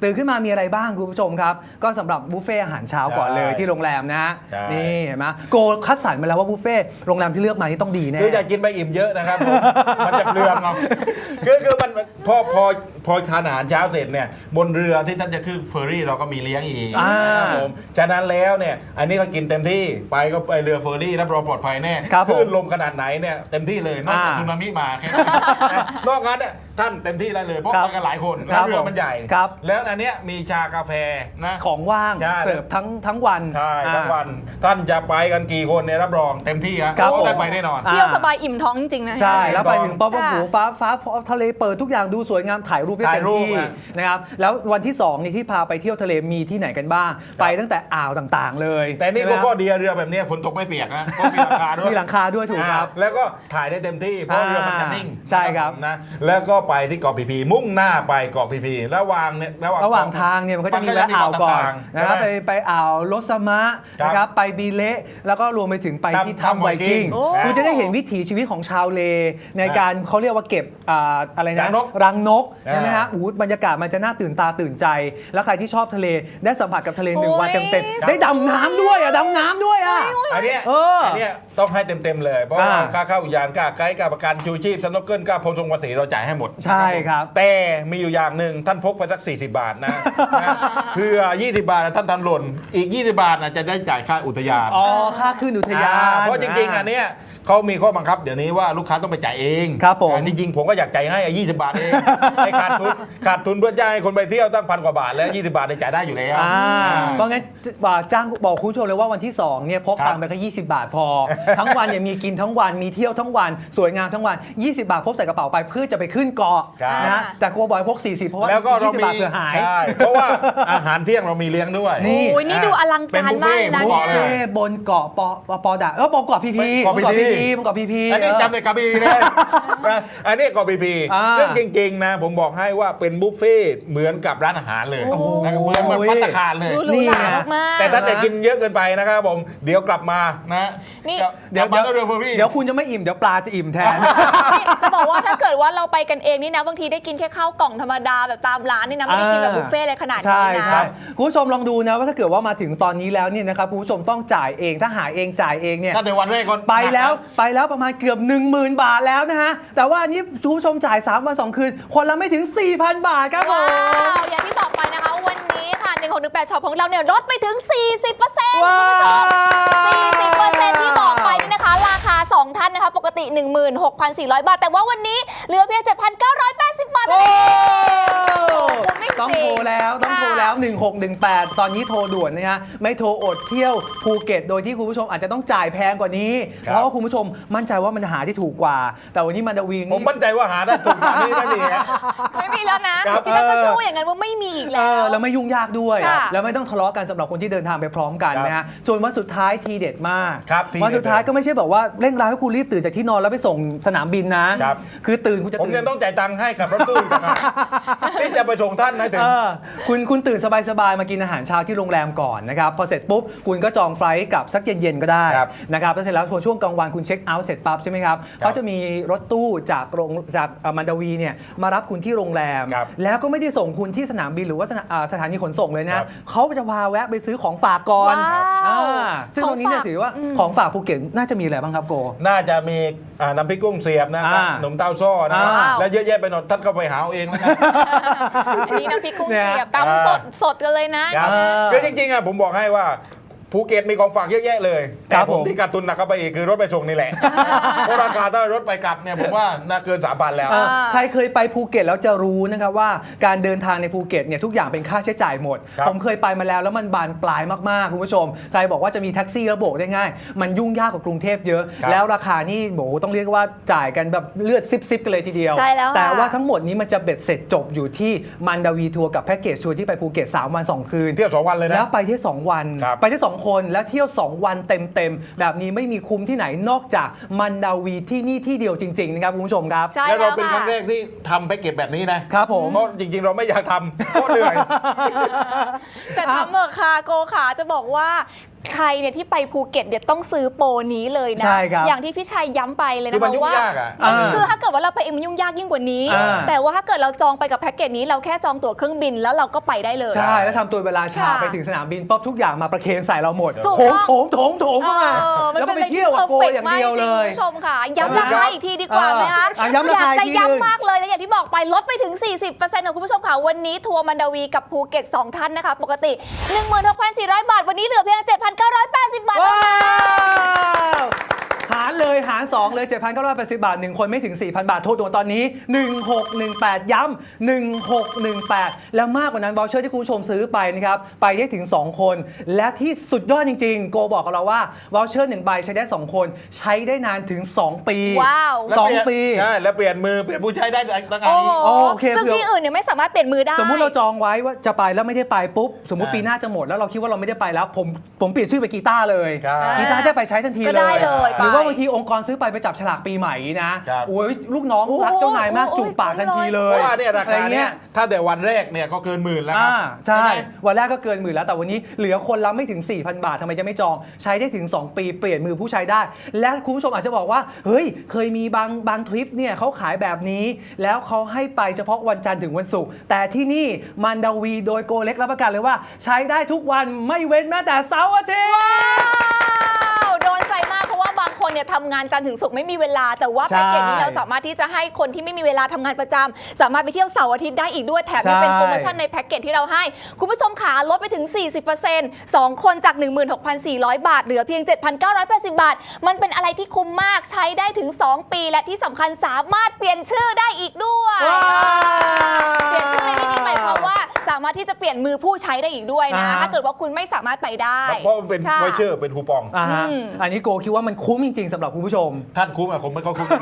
Speaker 1: ตื่นขึ้นมามีอะไรบ้างคุณผู้ชมครับก็สำหรับบุฟเฟ่อาหารเช้าก่อนเลยที่โรงแรมนะ
Speaker 3: ใช่
Speaker 1: นี่เห็นไหมโกคัดสรรมาแล้วว่าบุฟเฟ่โรงแรมที่เลือกมานี่ต้องดีแน่
Speaker 3: คืออย่ากินไปอิ่มเยอะนะครับผม มันจะเปลืองเอาคือคือมันพอพอพอทานอาหารเช้าเสร็จเนี่ยบนเรือที่ท่านจะขึ้นเฟอร์รี่เราก็มีเลี้ยงอีก
Speaker 1: อ่า
Speaker 3: นะครับผมฉะนั้นแล้วเนี่ยอันนี้ก็กินเต็มที่ไปก็ไปเรือเฟอร์รี่รับรองปลอดภัยแน่
Speaker 1: ครับผม
Speaker 3: คลื่นลมขนาดไหนเนี่ยเต็มที่เลยนอกจาก
Speaker 1: อ่า
Speaker 3: สึนามิมาแค่นั้นนะนอกนั้นเนี่ยท่านเต็มที่ได้เลยเพราะ
Speaker 1: ครับ
Speaker 3: ไปกันหลายคน
Speaker 1: ค
Speaker 3: แล้
Speaker 1: รั
Speaker 3: ว
Speaker 1: บ
Speaker 3: เรือมันใหญ่
Speaker 1: ครับ
Speaker 3: แล้วอันเนี้ยมีชากาแฟนะ
Speaker 1: ของว่าง
Speaker 3: ใช่
Speaker 1: เสิร์ฟทั้งทั้งวัน
Speaker 3: ใช่ทั้ง
Speaker 1: อ่า
Speaker 3: วันท่านจะไปกันกี่คนเนี่ยรับรองเต็มที่ฮะ
Speaker 1: ครับ
Speaker 3: เพาะได้
Speaker 1: ผม
Speaker 3: ไปแน่นอน
Speaker 1: อ่า
Speaker 2: เที่ยวสบายอิ่มท้องจริงๆนะ
Speaker 1: ใช่ แล้วไปถึงปั๊บ
Speaker 2: ค่ะ
Speaker 1: โอ้โหฟ้าฟ้าทะเลเปิดทุกอย่างดูสวยงามถ่ายรูปได้
Speaker 3: ถ่า
Speaker 1: เต็
Speaker 3: ย
Speaker 1: ม
Speaker 3: รูป
Speaker 1: ที่
Speaker 3: อ่ะ
Speaker 1: นะครับแล้ววันที่สองนี่ที่พาไปเที่ยวทะเลมีที่ไหนกันบ้าง ไปตั้งแต่อ่าวต่างๆ เลย
Speaker 3: แต่นี่ก็
Speaker 1: ใช่ไหม
Speaker 3: ข้อดีเรือแบบเนี้ยฝนตกไม่เปียกนะเพราะมีหลังคาด้วย
Speaker 1: มีหลังคาด้วยถูกครับ
Speaker 3: อ่าแล้วก็ถ่ายได้เต็มที่เพราะเรือมันจะนิ่ง
Speaker 1: ใช่ครับ
Speaker 3: นะแล้วก็ไปที่เกาะพีพีมุ่งหน้าไปเกาะพีพีระหว่างเนี่ย
Speaker 1: ระหว่างทางเนี่ยมันก็จะมีแวะอ่าวก่อนนะครับไป
Speaker 3: ใช่ไหม
Speaker 1: ไปอ่าวลสมะ
Speaker 3: ครับ
Speaker 1: นะครับไปบีเละแล้วก็รวมไปถึงไปที่
Speaker 3: ถ้ำ
Speaker 1: ถ้ำไวกิ้ง
Speaker 3: โอ้
Speaker 1: คุณจะได้เห็นวิถีชีวิตของชาวเล ในการเขาเรียกว่าเก็บอ่าอะไรนะ
Speaker 3: รังนก
Speaker 1: รังนก
Speaker 3: อ่า
Speaker 1: ใช่ไหมฮะอู้บรรยากาศมันจะน่าตื่นตาตื่นใจ แล้วใครที่ชอบทะเลได้สัมผัสกับทะเลหนึ่งวัน
Speaker 2: โอ้ย
Speaker 1: เต็มๆได้ดำน้ำด้วยอ่ะดำน้ำด้วยอ่ะ
Speaker 3: อันเนี้ย
Speaker 1: เอออั
Speaker 3: นเนี้ยต้องให้เต็มๆเลย เพราะว่า
Speaker 1: อ่า
Speaker 3: ค่าเข้าอุทยานค่าไกด์ค่าประกันชูชีพสโนว์เกิลค่าพรมทรงภาษีเราจ่ายให้หมด
Speaker 1: ใช่ครับ
Speaker 3: แต่มีอยู่อย่างหนึ่งท่านพกไปสักสี่สิบบาทนะ นะเพื่อยี่สิบบาทนะท่านทำหล่นอีกยี่สิบบาทนะจะได้จ่ายค่าอุทยาน
Speaker 1: อ๋อค่าขึ้นอุทยาน
Speaker 3: อ่าเพราะจริงๆอันเนี้ยเขามีข้อบังคับเดี๋ยวนี้ว่าลูกค้าต้องไปจ่ายเอง
Speaker 1: ครับผม
Speaker 3: อ่าจริงๆผมก็อยากจ่ายให้ยี่สิบบาทเอง ให้ขาดทุนขาดทุนเพื่อจ้างให้คนไปเที่ยวตั้งพันกว่าบาทแล้วยี่สิบบาทเนี่ยจ่ายได้อยู่แล้ว
Speaker 1: อ่า
Speaker 3: อ่า
Speaker 1: เพราะงั้นบอกจ้างบอกคุณผู้ชมเลยว่าวันที่สองเนี่ยพก
Speaker 3: ครับ
Speaker 1: ตังค์ไปแค่ยี่สิบบาทพอ ทั้งวันเนี่ยมีกินทั้งวันมีเที่ยวทั้งวันสวยงามทั้งวัน ยี่สิบบาทพกใส่กระเป๋าไปเพื่อจะไปขึ้นเกาะ
Speaker 3: ครับ
Speaker 1: นะฮะแต่กลัวบอยพกสี่สิบเพราะว่า
Speaker 3: แล้วก็เรา
Speaker 1: ยี่สิบ
Speaker 3: มี
Speaker 1: บาทเผื่อหาย
Speaker 3: ใช่เพราะว่าอาหารเที่ยงเรามีเลี้ยงด้วย
Speaker 1: นี่
Speaker 2: โอ้ยนี่ดูอลัง
Speaker 3: เป็น
Speaker 2: การ
Speaker 3: บุฟ
Speaker 2: มา
Speaker 3: เฟ่
Speaker 2: ก
Speaker 3: ต์
Speaker 2: นะ
Speaker 3: ผมบอกเลย
Speaker 1: เอ้บนเกาะปอปอปอดะเออบนเกาะพีพี
Speaker 3: เกาะ
Speaker 1: บนเกาะ
Speaker 3: พี
Speaker 1: พี
Speaker 3: พี
Speaker 1: พีบนเกาะพีพี
Speaker 3: อันนี้จำในกระบี่เลยนะอันนี้เกาะพีพี
Speaker 1: อ่า
Speaker 3: ซึ่งจริงๆนะผมบอกให้ว่าเป็นบุฟเฟ่ต์เหมือนกับร้านอาหารเลย
Speaker 2: โอ้โห
Speaker 3: นะครับเหมือนเหมือนภัตตาคารเลย
Speaker 2: ดูหรูหรามากๆ
Speaker 3: แต่ถ้าจะกินเยอะเกินไปนะครับผมเดี๋ยวกลับมานะ
Speaker 2: นี่
Speaker 3: เดี๋ยวเดี๋ยวเรือเฟอร์รี่
Speaker 1: เดี๋ยวคุณจะไม่อิ่มเดี๋ยวปลาจะอิ่มแทน
Speaker 2: นี่จะบอกว่าถ้าเกิดว่าเราไปกันเองนี่นะบางทีได้กินแค่ข้าวกล่องธรรมดาแบบตามร้านนี่นะไม่ได้กินแบบบุฟเฟ่ต์เลยขนาด
Speaker 1: ใช่
Speaker 2: นี้นะ
Speaker 1: ใช่คุณผู้ชมลองดูนะว่าถ้าเกิดว่ามาถึงตอนนี้แล้วเนี่ยนะครับคุณผู้ชมต้องจ่ายเองถ้าหาเองจ่ายเองเนี่ย
Speaker 3: ถ้าในวันแรกก่อน
Speaker 1: ไปแล้วไปแล้วประมาณเกือบ หนึ่งหมื่น บาทแล้วนะฮะ แต่ว่าอันนี้คุณผู้ชมจ่าย สาม วัน สอง คืน คนละไม่ถึง สี่พัน บาทครับผ
Speaker 2: ว้าม วอย่างที่บอกไปนะคะวันนี้ค่ะหนึ่งหกหนึ่งแปดช็อปของเราเนี่ยลดไปถึง สี่สิบเปอร์เซ็นต์
Speaker 1: ว้าว
Speaker 2: สี่สิบเปอร์เซ็นต์ที่บอกไปนี่นะคะ ราคา สอง ท่านนะคะ ปกติ หนึ่งหมื่นหกพันสี่ร้อย บาท แต่ว่าวันนี้เหลือเพียง เจ็ดพันเก้าร้อยแปดสิบ บาทเท่านั้นเองคุ้มไม่จริ
Speaker 1: ต้องโทรแล้วต้องโทรแล้ว หนึ่งหกหนึ่งแปด ตอนนี้โทรด่วนนะฮะไม่โทรอดเที่ยวภูเก็ต โดยที่คุณผู้ชมอาจจะต้องจ่ายแพงกว่านี้
Speaker 3: ครับ
Speaker 1: เพราะว่าคุณผู้ชมมั่นใจว่ามันหาที่ถูกกว่า แต่วันนี้มันดาวิง
Speaker 3: ผมมั่นใจว่าหาได้ถูกกว่านี้ไม่มีฮะ
Speaker 2: ไม่มีแล้วนะครับ ที่นั่นก็เชื่อว่าอย่างนั้นว่าไม่มีอีก
Speaker 1: เอ
Speaker 2: แล้
Speaker 1: อ
Speaker 2: ว
Speaker 1: แล้วไม่ยุ่งยากด้วย
Speaker 2: ค่ะ
Speaker 1: แล้วไม่ต้องทะเลาะกันสำหรับคนที่เดินทางไปพร้อมกัน
Speaker 3: ครับ
Speaker 1: นะฮะส่วนวันสุดท้ายทีเด็ดมาก
Speaker 3: ครับทีเด็ด
Speaker 1: วันสุดท้ายก็ไม่ใช่แบบว่าเร่งร้ายให้คุณรีบตื่นจากที่นอนแล้วไปส่งสนามบินนะครับ คือตื่นคุณจะ
Speaker 3: ผม
Speaker 1: ตื่น
Speaker 3: ยังต้องจ่ายตังค์ให้กับรถตู้อีกต่างหากที่จะไปส่งท่านนะถึง
Speaker 1: เออคุณคุณตื่นสบายๆมากินอาหารเช้าที่โรงแรมก่อนนะครับพอเสร็จปุ๊บคุณก็จองไฟลท์กลับสักเย็นๆก็ได้
Speaker 3: ครับ
Speaker 1: นะครับแล้วเสร็จแล้วพอช่วงกลางวันคุณเช็คเอาท์เสร็จปั๊บใช่ไหมครับเขาจะมีรถตู้จากโรงจากเอ่อมันดาวีเนี่ยมารับคุณที่โรงแรม
Speaker 3: ครับ
Speaker 1: แล้วก็ไม่ได้ส่งคุณที่สนามบินหรือว่าสถาอ่าสถานีขนส่งเลย
Speaker 3: ครั
Speaker 1: นะ
Speaker 3: บ
Speaker 1: เขาจะพาแวะไปซื้อของฝากก่อน
Speaker 2: ว้าว
Speaker 1: อ่าซึ่งตรงนี้เนี่ย
Speaker 2: ของฝาก
Speaker 1: ถือว่า
Speaker 2: อืม
Speaker 1: ของฝากภูเก็ตน่าจะมีอะไรบ้างครับโก
Speaker 3: น่าจะมีอ่าน้ำพริกกุ้งเสียบนะครับ
Speaker 1: อ่า
Speaker 3: ขนมเต้าซ้อนะครับ
Speaker 1: อ่า
Speaker 3: แล้วเยอะแยะไปหมดท่านก็ไปหาเอาเองแล้วกัน
Speaker 2: อันนี้น้ำพริกกุ้ง
Speaker 1: เนี่ย
Speaker 2: เสียบตำสดสดกันเลยนะครับ
Speaker 1: อ่า
Speaker 3: คือจริงๆอ่ะผมบอกให้ว่าภูเก็ตมีของฝากเยอะแยะเลย
Speaker 1: ค
Speaker 3: แต่
Speaker 1: รับ
Speaker 3: ผม
Speaker 1: ผม
Speaker 3: ที่การตุนหนักเข้าไปอีกคือรถไปส่งนี่แหละ เพราะราคาถ้ารถไปกลับเนี่ยผมว่าน่าเกินสามพันแล้ว
Speaker 1: เอ่อใครเคยไปภูเก็ตแล้วจะรู้นะครับว่าการเดินทางในภูเก็ตเนี่ยทุกอย่างเป็นค่าใช้จ่ายหมด
Speaker 3: ครับ
Speaker 1: ผมเคยไปมาแล้วแล้วมันบานปลายมากๆคุณผู้ชมใครบอกว่าจะมีแท็กซี่แล้วโบกได้ง่าย มันยุ่งยากกว่ากรุงเทพเยอะ
Speaker 3: ครับ
Speaker 1: แล้วราคานี่โบต้องเรียกว่าจ่ายกันแบบเลือดซิบๆกันเลยทีเดียว
Speaker 2: ใช่แล้วค่ะ
Speaker 1: แต่ว่าทั้งหมดนี้มันจะเบ็ดเสร็จจบอยู่ที่มันดาวีทัวร์กับแพ็กเกจทัวร์ที่ไปภูเก็ตสามวันสองคืน
Speaker 3: เที่ยวสองวันเลยนะ
Speaker 1: แล้วไปที่สองวัน
Speaker 3: ครับ
Speaker 1: ไปที่สองคนแล้วเที่ยวสองวันเต็มๆแบบนี้ไม่มีคุ้มที่ไหนนอกจากมันดาวีที่นี่ที่เดียวจริงๆนะครับคุณผู้ชมครับ
Speaker 2: ใช่
Speaker 3: แล้ว
Speaker 2: แล้
Speaker 3: เรา
Speaker 2: ว
Speaker 3: เป็นครั้งแร
Speaker 2: ค่ะ
Speaker 3: กที่ทำไปเก็บแบบนี้นะครับ
Speaker 1: ผม
Speaker 3: เพราะจริงๆ เราไม่อยากทำเพราะเหนื่อย
Speaker 2: แต่ทำเมอร์คาโกขาจะบอกว่าใครเนี่ยที่ไปภูเก็ตเดี๋ยวต้องซื้อโปรนี้เลยนะ
Speaker 1: ใช่ครับ
Speaker 2: อย่างที่พี่ชัยย้ำไปเลย
Speaker 3: คือ
Speaker 2: นะ
Speaker 3: มัน
Speaker 2: คะ
Speaker 3: ยุ่ง
Speaker 2: ว่าย
Speaker 3: ากอ่ะ
Speaker 1: อ่า
Speaker 2: คือถ้าเกิดว่าเราไปเองมันยุ่งยากยิ่งกว่านี้
Speaker 1: อ่า
Speaker 2: แต่ว่าถ้าเกิดเราจองไปกับแพ็กเกจนี้เราแค่จองตั๋วเครื่องบินแล้วเราก็ไปได้เลย
Speaker 1: ใช่แล้วทำตัวเวลาชา
Speaker 2: ค่ะ
Speaker 1: ไปถึงสนามบินปุ๊บทุกอย่างมาประเคนใส่เราหมด
Speaker 2: ถูก
Speaker 1: โถง
Speaker 2: ต้อง
Speaker 1: โถงโถงโถงเข้ามา
Speaker 2: เออมัน
Speaker 1: แล้วก็
Speaker 2: เป็น
Speaker 1: ไปเที่ยวกับโก
Speaker 2: อะไรที่
Speaker 1: อย่างเดียวเลย
Speaker 2: คุณผู้ชมค่ะย้ำราคาอีกทีดีกว่าไหมคะ
Speaker 1: อ่ะย้ำราคา
Speaker 2: อยากจะ
Speaker 1: อีกทีหนึ่ง
Speaker 2: ย้ำมากเลยและอย่างที่บอกไปลดไปถึง สี่สิบเปอร์เซ็นต์ ของคุณผู้ชมค่ะวันนี้ทัวร์มันดาวีกับภูเก็ตสองท่านนะคะปกติ หนึ่งหมื่นหกพันสี่ร้อย บาทวันนี้เหลือเพียง เจ็ดพันเก้าร้อยแปดสิบ บาทเท่า
Speaker 1: ว้า
Speaker 2: นั้น
Speaker 1: วหารเลยหารสองเลย เจ็ดพันเก้าร้อยแปดสิบ บาทหนึ่งคนไม่ถึง สี่พัน บาทโทรด่วนตอนนี้หนึ่งหกหนึ่งแปดย้ำหนึ่งหกหนึ่งแปดแล้วมากกว่านั้นวอลเชอร์ที่คุณผู้ชมซื้อไปนะครับไปได้ถึงสองคนและที่สุดยอดจริงๆโกบอกกับเราว่าวอลเชอร์หนึ่งใบใช้ได้สองคนใช้ได้นานถึงสองปี
Speaker 2: ว้าว
Speaker 1: สองปี
Speaker 3: ใช่แล้วเปลี่ยนมือเปลี่ยนผู้ใช้ได้ตั้งแต่
Speaker 2: โอ้
Speaker 3: นี้
Speaker 2: โห
Speaker 1: โอเค
Speaker 2: ซึ่ง
Speaker 1: เผื่อ
Speaker 2: ที่อื่นเนี่ยไม่สามารถเปลี่ยนมือได้
Speaker 1: สมมุติเราจองไว้ว่าจะไปแล้วไม่ได้ไปปุ๊บสมมุติ
Speaker 3: อ่า
Speaker 1: ปีหน้าจะหมดแล้วเราคิดว่าเราไม่ได้ไปแล้วผมผมเปลี่ยนชื่อไปกีตาร์เลย
Speaker 3: ครับ
Speaker 1: กีตาร์จะไปใช้ทันที
Speaker 2: ก็
Speaker 1: เล
Speaker 2: ได้
Speaker 1: ย
Speaker 2: เลย
Speaker 1: หรือว่า
Speaker 2: ไป
Speaker 1: บางทีองค์กรซื้อไปไปจับฉลากปีใหม่นะครับ โอ้ยลูกน้อง
Speaker 2: โอ้
Speaker 1: รักเจ้านายมาก
Speaker 2: โอ้
Speaker 1: จูบปากทันทีเล
Speaker 3: เพ
Speaker 1: ย
Speaker 3: ราะว่าเนี่ยราคา
Speaker 1: อะไร
Speaker 3: เนี่
Speaker 1: เงี้
Speaker 3: ย
Speaker 1: ย
Speaker 3: ถ้าแต่วันแรกเนี่ยก็เกินหมื่นแล้วครั
Speaker 1: อ่า
Speaker 3: บ
Speaker 1: ใช่
Speaker 3: ไหม
Speaker 1: วันแรกก็เกินหมื่นแล้วแต่วันนี้เหลือคนละไม่ถึง สี่พัน บาททำไมจะไม่จองใช้ได้ถึง สอง ปีเปลี่ยนมือผู้ใช้ได้ และคุณผู้ชมอาจจะบอกว่าเฮ้ยเคยมีบางบางทริปเนี่ยเขาขายแบบนี้ แล้วเขาให้ไปเฉพาะวันจันทร์ถึงวันศุกร์แต่ที่นี่มันดาวีโดยโกเล็กรับประกันเลยว่า ใช้ได้ทุกวันไม่เว้นแม้แต่เสาร์อาทิตย์
Speaker 2: ว้าวโดนใจมากเพราะว่าบางคนเนี่ยทำงานจันทร์ถึงศุกร์ไม่มีเวลา แต่ว่า
Speaker 1: ใช่
Speaker 2: แพ็กเกจนี้เราสามารถที่จะให้คนที่ไม่มีเวลาทำงานประจำสามารถไปเที่ยวเสาร์อาทิตย์ได้อีกด้วยแถมยังเป็น
Speaker 1: ใช่
Speaker 2: โปรโมชั่นในแพ็กเกจที่เราให้ คุณผู้ชมขาลดไปถึง สี่สิบเปอร์เซ็นต์ สอง คนจาก หนึ่งหมื่นหกพันสี่ร้อย บาทเหลือเพียง เจ็ดพันเก้าร้อยแปดสิบ บาท มันเป็นอะไรที่คุ้มมากใช้ได้ถึง สอง ปีและที่สำคัญสามารถเปลี่ยนชื่อได้อีกด้วย
Speaker 1: ว้าว
Speaker 2: เปลี่ยนชื่อในที่นี้หมายความว่าสามารถที่จะเปลี่ยนมือผู้ใช้ได้อีกด้วยนะ
Speaker 1: อ่า
Speaker 2: ถ้าเกิดว่าคุณไม่สามารถไปได้
Speaker 3: เพราะมันเป็น
Speaker 2: ค่ะ
Speaker 3: ไวเชอร์เป็นคูปอง
Speaker 1: อ่าฮะ
Speaker 2: อืม
Speaker 1: อันนี้โกคิดว่ามันคุ้มจริง ๆสำหรับคุณผู้ชม
Speaker 3: ท่านคุ้มอะผมไม่ค่อยคุ้ม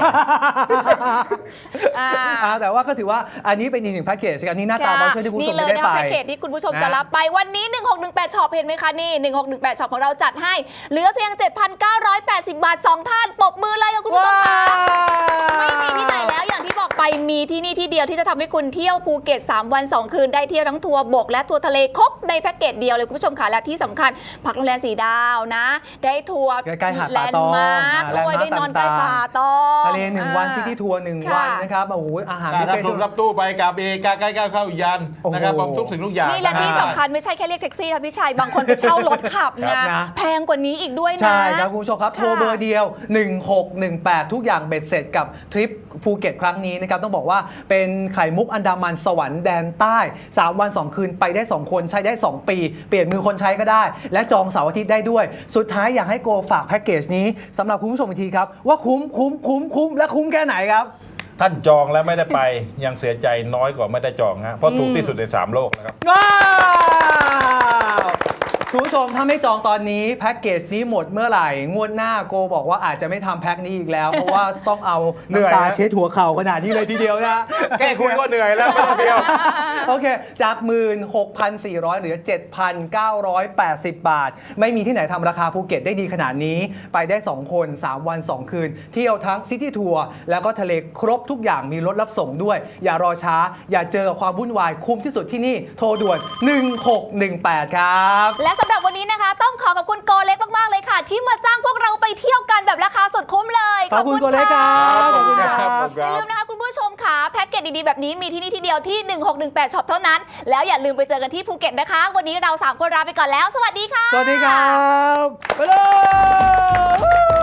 Speaker 2: อ่า
Speaker 1: อ่าแต่ว่าก็ถือว่าอันนี้เป็นอีกหนึ่งแพ็กเกจอันนี้หน้าตาบอลเชอร์ที่คุณผู้ชมไม่ได้
Speaker 2: นี่เลย
Speaker 1: ไป
Speaker 2: นะแพ็กเกจที่คุณผู้ชม
Speaker 1: นะ
Speaker 2: จะรับไปวันนี้ หนึ่งหกหนึ่งแปด ช็อปเห็นไหมคะนี่ หนึ่งหกหนึ่งแปด ช็อปของเราจัดให้ เหลือเพียง เจ็ดพันเก้าร้อยแปดสิบ บาท สอง ท่านปรบมือเลยค่ะคุณผู้ชมค่ะไม่มีที่ไหนแล้วอย่างที่บอกไปมีที่นี่ที่เดียวที่จะทำให้คุณเที่ยวภูเก็ต สาม วัน สอง คืนได้เที่ยวทั้งทัวร์บกและทัวร์ทะเลครบในแพ็กเกจเดียวเลยคุณผู้ชมค่ะและที่สำคัญพักโรงแรมสีดาวนะ ได้ทัวร์
Speaker 1: ใกล้ๆหาด
Speaker 2: แล
Speaker 1: ป่าน ตอง
Speaker 2: ด์มาร์ค
Speaker 1: อ่า
Speaker 2: ด้วย
Speaker 1: แลนด์มาร์ค
Speaker 2: ได้นอนใกล้
Speaker 1: ต่างๆ
Speaker 2: ป่าตอง
Speaker 1: ทะเลหนึ่งวัน
Speaker 2: อ่า
Speaker 1: ซิตี้ทัวร์หนึ่ง
Speaker 2: ค่ะ
Speaker 1: วันนะครับโอ้โหอาหาร
Speaker 3: การ
Speaker 1: บุฟ
Speaker 3: รับ
Speaker 1: เฟ่
Speaker 3: รถรับตู้ไปกับเอกาใกล้ๆเข้ายัน
Speaker 1: โอ้โห
Speaker 3: นะครับผมทุกสิ่งทุกอย่าง
Speaker 2: นี่และที่
Speaker 3: นะ
Speaker 2: สำคัญไม่ใช่แค่เรียกแท็กซี่ค่ะพี่ชัยบางคนไปเช่ารถขับ
Speaker 1: ครับ
Speaker 2: นะ
Speaker 1: นะ
Speaker 2: แพงกว่านี้อีกด้วยนะ
Speaker 1: ใช่ครับคุณผู้ชมครับ
Speaker 2: ค่ะ
Speaker 1: โทรเบอร์เดียว หนึ่งหกหนึ่งแปด ทุกอย่างเบ็ดเสร็จกับทริปภูเก็ตครั้งนี้นะครับต้องบอกว่าเป็นไข่มุกอันดามันสวรรค์แดนใต้ สาม วัน สอง คืนไปได้ สอง คนใช้ได้ สอง ปี เปลี่ยนมือคนใช้ก็ได้ และจองเสาร์อาทิตย์ได้ด้วย สุดท้ายอยากให้โกฝากแพ็กเกจนี้สำหรับคุณผู้ชมอีกทีครับ ว่าคุ้มคุ้มคุ้มคุ้มและคุ้มแค่ไหนครับ
Speaker 3: ท่านจองแล้วไม่ได้ไป ยังเสียใจน้อยกว่าไม่ได้จองฮะเพราะถูกที่สุดในสามโลกนะครับ
Speaker 1: ว้าวคุณผู้ชมถ้าไม่จองตอนนี้แพ็กเกจนี้หมดเมื่อไหร่ งวดหน้าโกบอกว่าอาจจะไม่ทำแพ็กนี้อีกแล้ว เพราะว่าต้องเอา
Speaker 3: เหนื่อย
Speaker 1: น้ำตา
Speaker 3: นะ
Speaker 1: เช็ดหัวเข่าขนาดนี้เลยทีเดียวนะ
Speaker 3: แก้คุยก็เหนื่อยแล้วไม่ต้องเที่ยว
Speaker 1: โอเค จาก หนึ่งหมื่นหกพันสี่ร้อย เหลือ เจ็ดพันเก้าร้อยแปดสิบ บาท ไม่มีที่ไหนทำราคาภูเก็ตได้ดีขนาดนี้ ไปได้ สอง คน สาม วัน สอง คืน เที่ยวทั้งซิตี้ทัวร์แล้วก็ทะเลครบทุกอย่างมีรถรับส่งด้วย อย่ารอช้า อย่าเจอกับความวุ่นวายคุ้มที่สุดที่นี่โทรด่วน หนึ่งหกหนึ่งแปด ครับ
Speaker 2: และสำหรับวันนี้นะคะ ต้องขอขอบคุณโกเล็กมาก ๆ เลยค่ะ ที่มาจ้างพวกเราไปเที่ยวกันแบบราคาสุดคุ้มเลย
Speaker 1: ขอบคุณโกเล็กครับขอบคุณค
Speaker 3: ครั
Speaker 1: รับ
Speaker 3: ผม
Speaker 2: อย่าลืมนะคะคุณผู้ชมค่ะแพ็กเกจดีๆแบบนี้มีที่นี่ที่เดียวที่ หนึ่งหกหนึ่งแปด ช็อปเท่านั้น แล้วอย่าลืมไปเจอกันที่ภูเก็ตนะคะ วันนี้เราสามคนลาไปก่อนแล้ว สวัสดีค่ะ
Speaker 1: สวัสดีครับ ไปเลย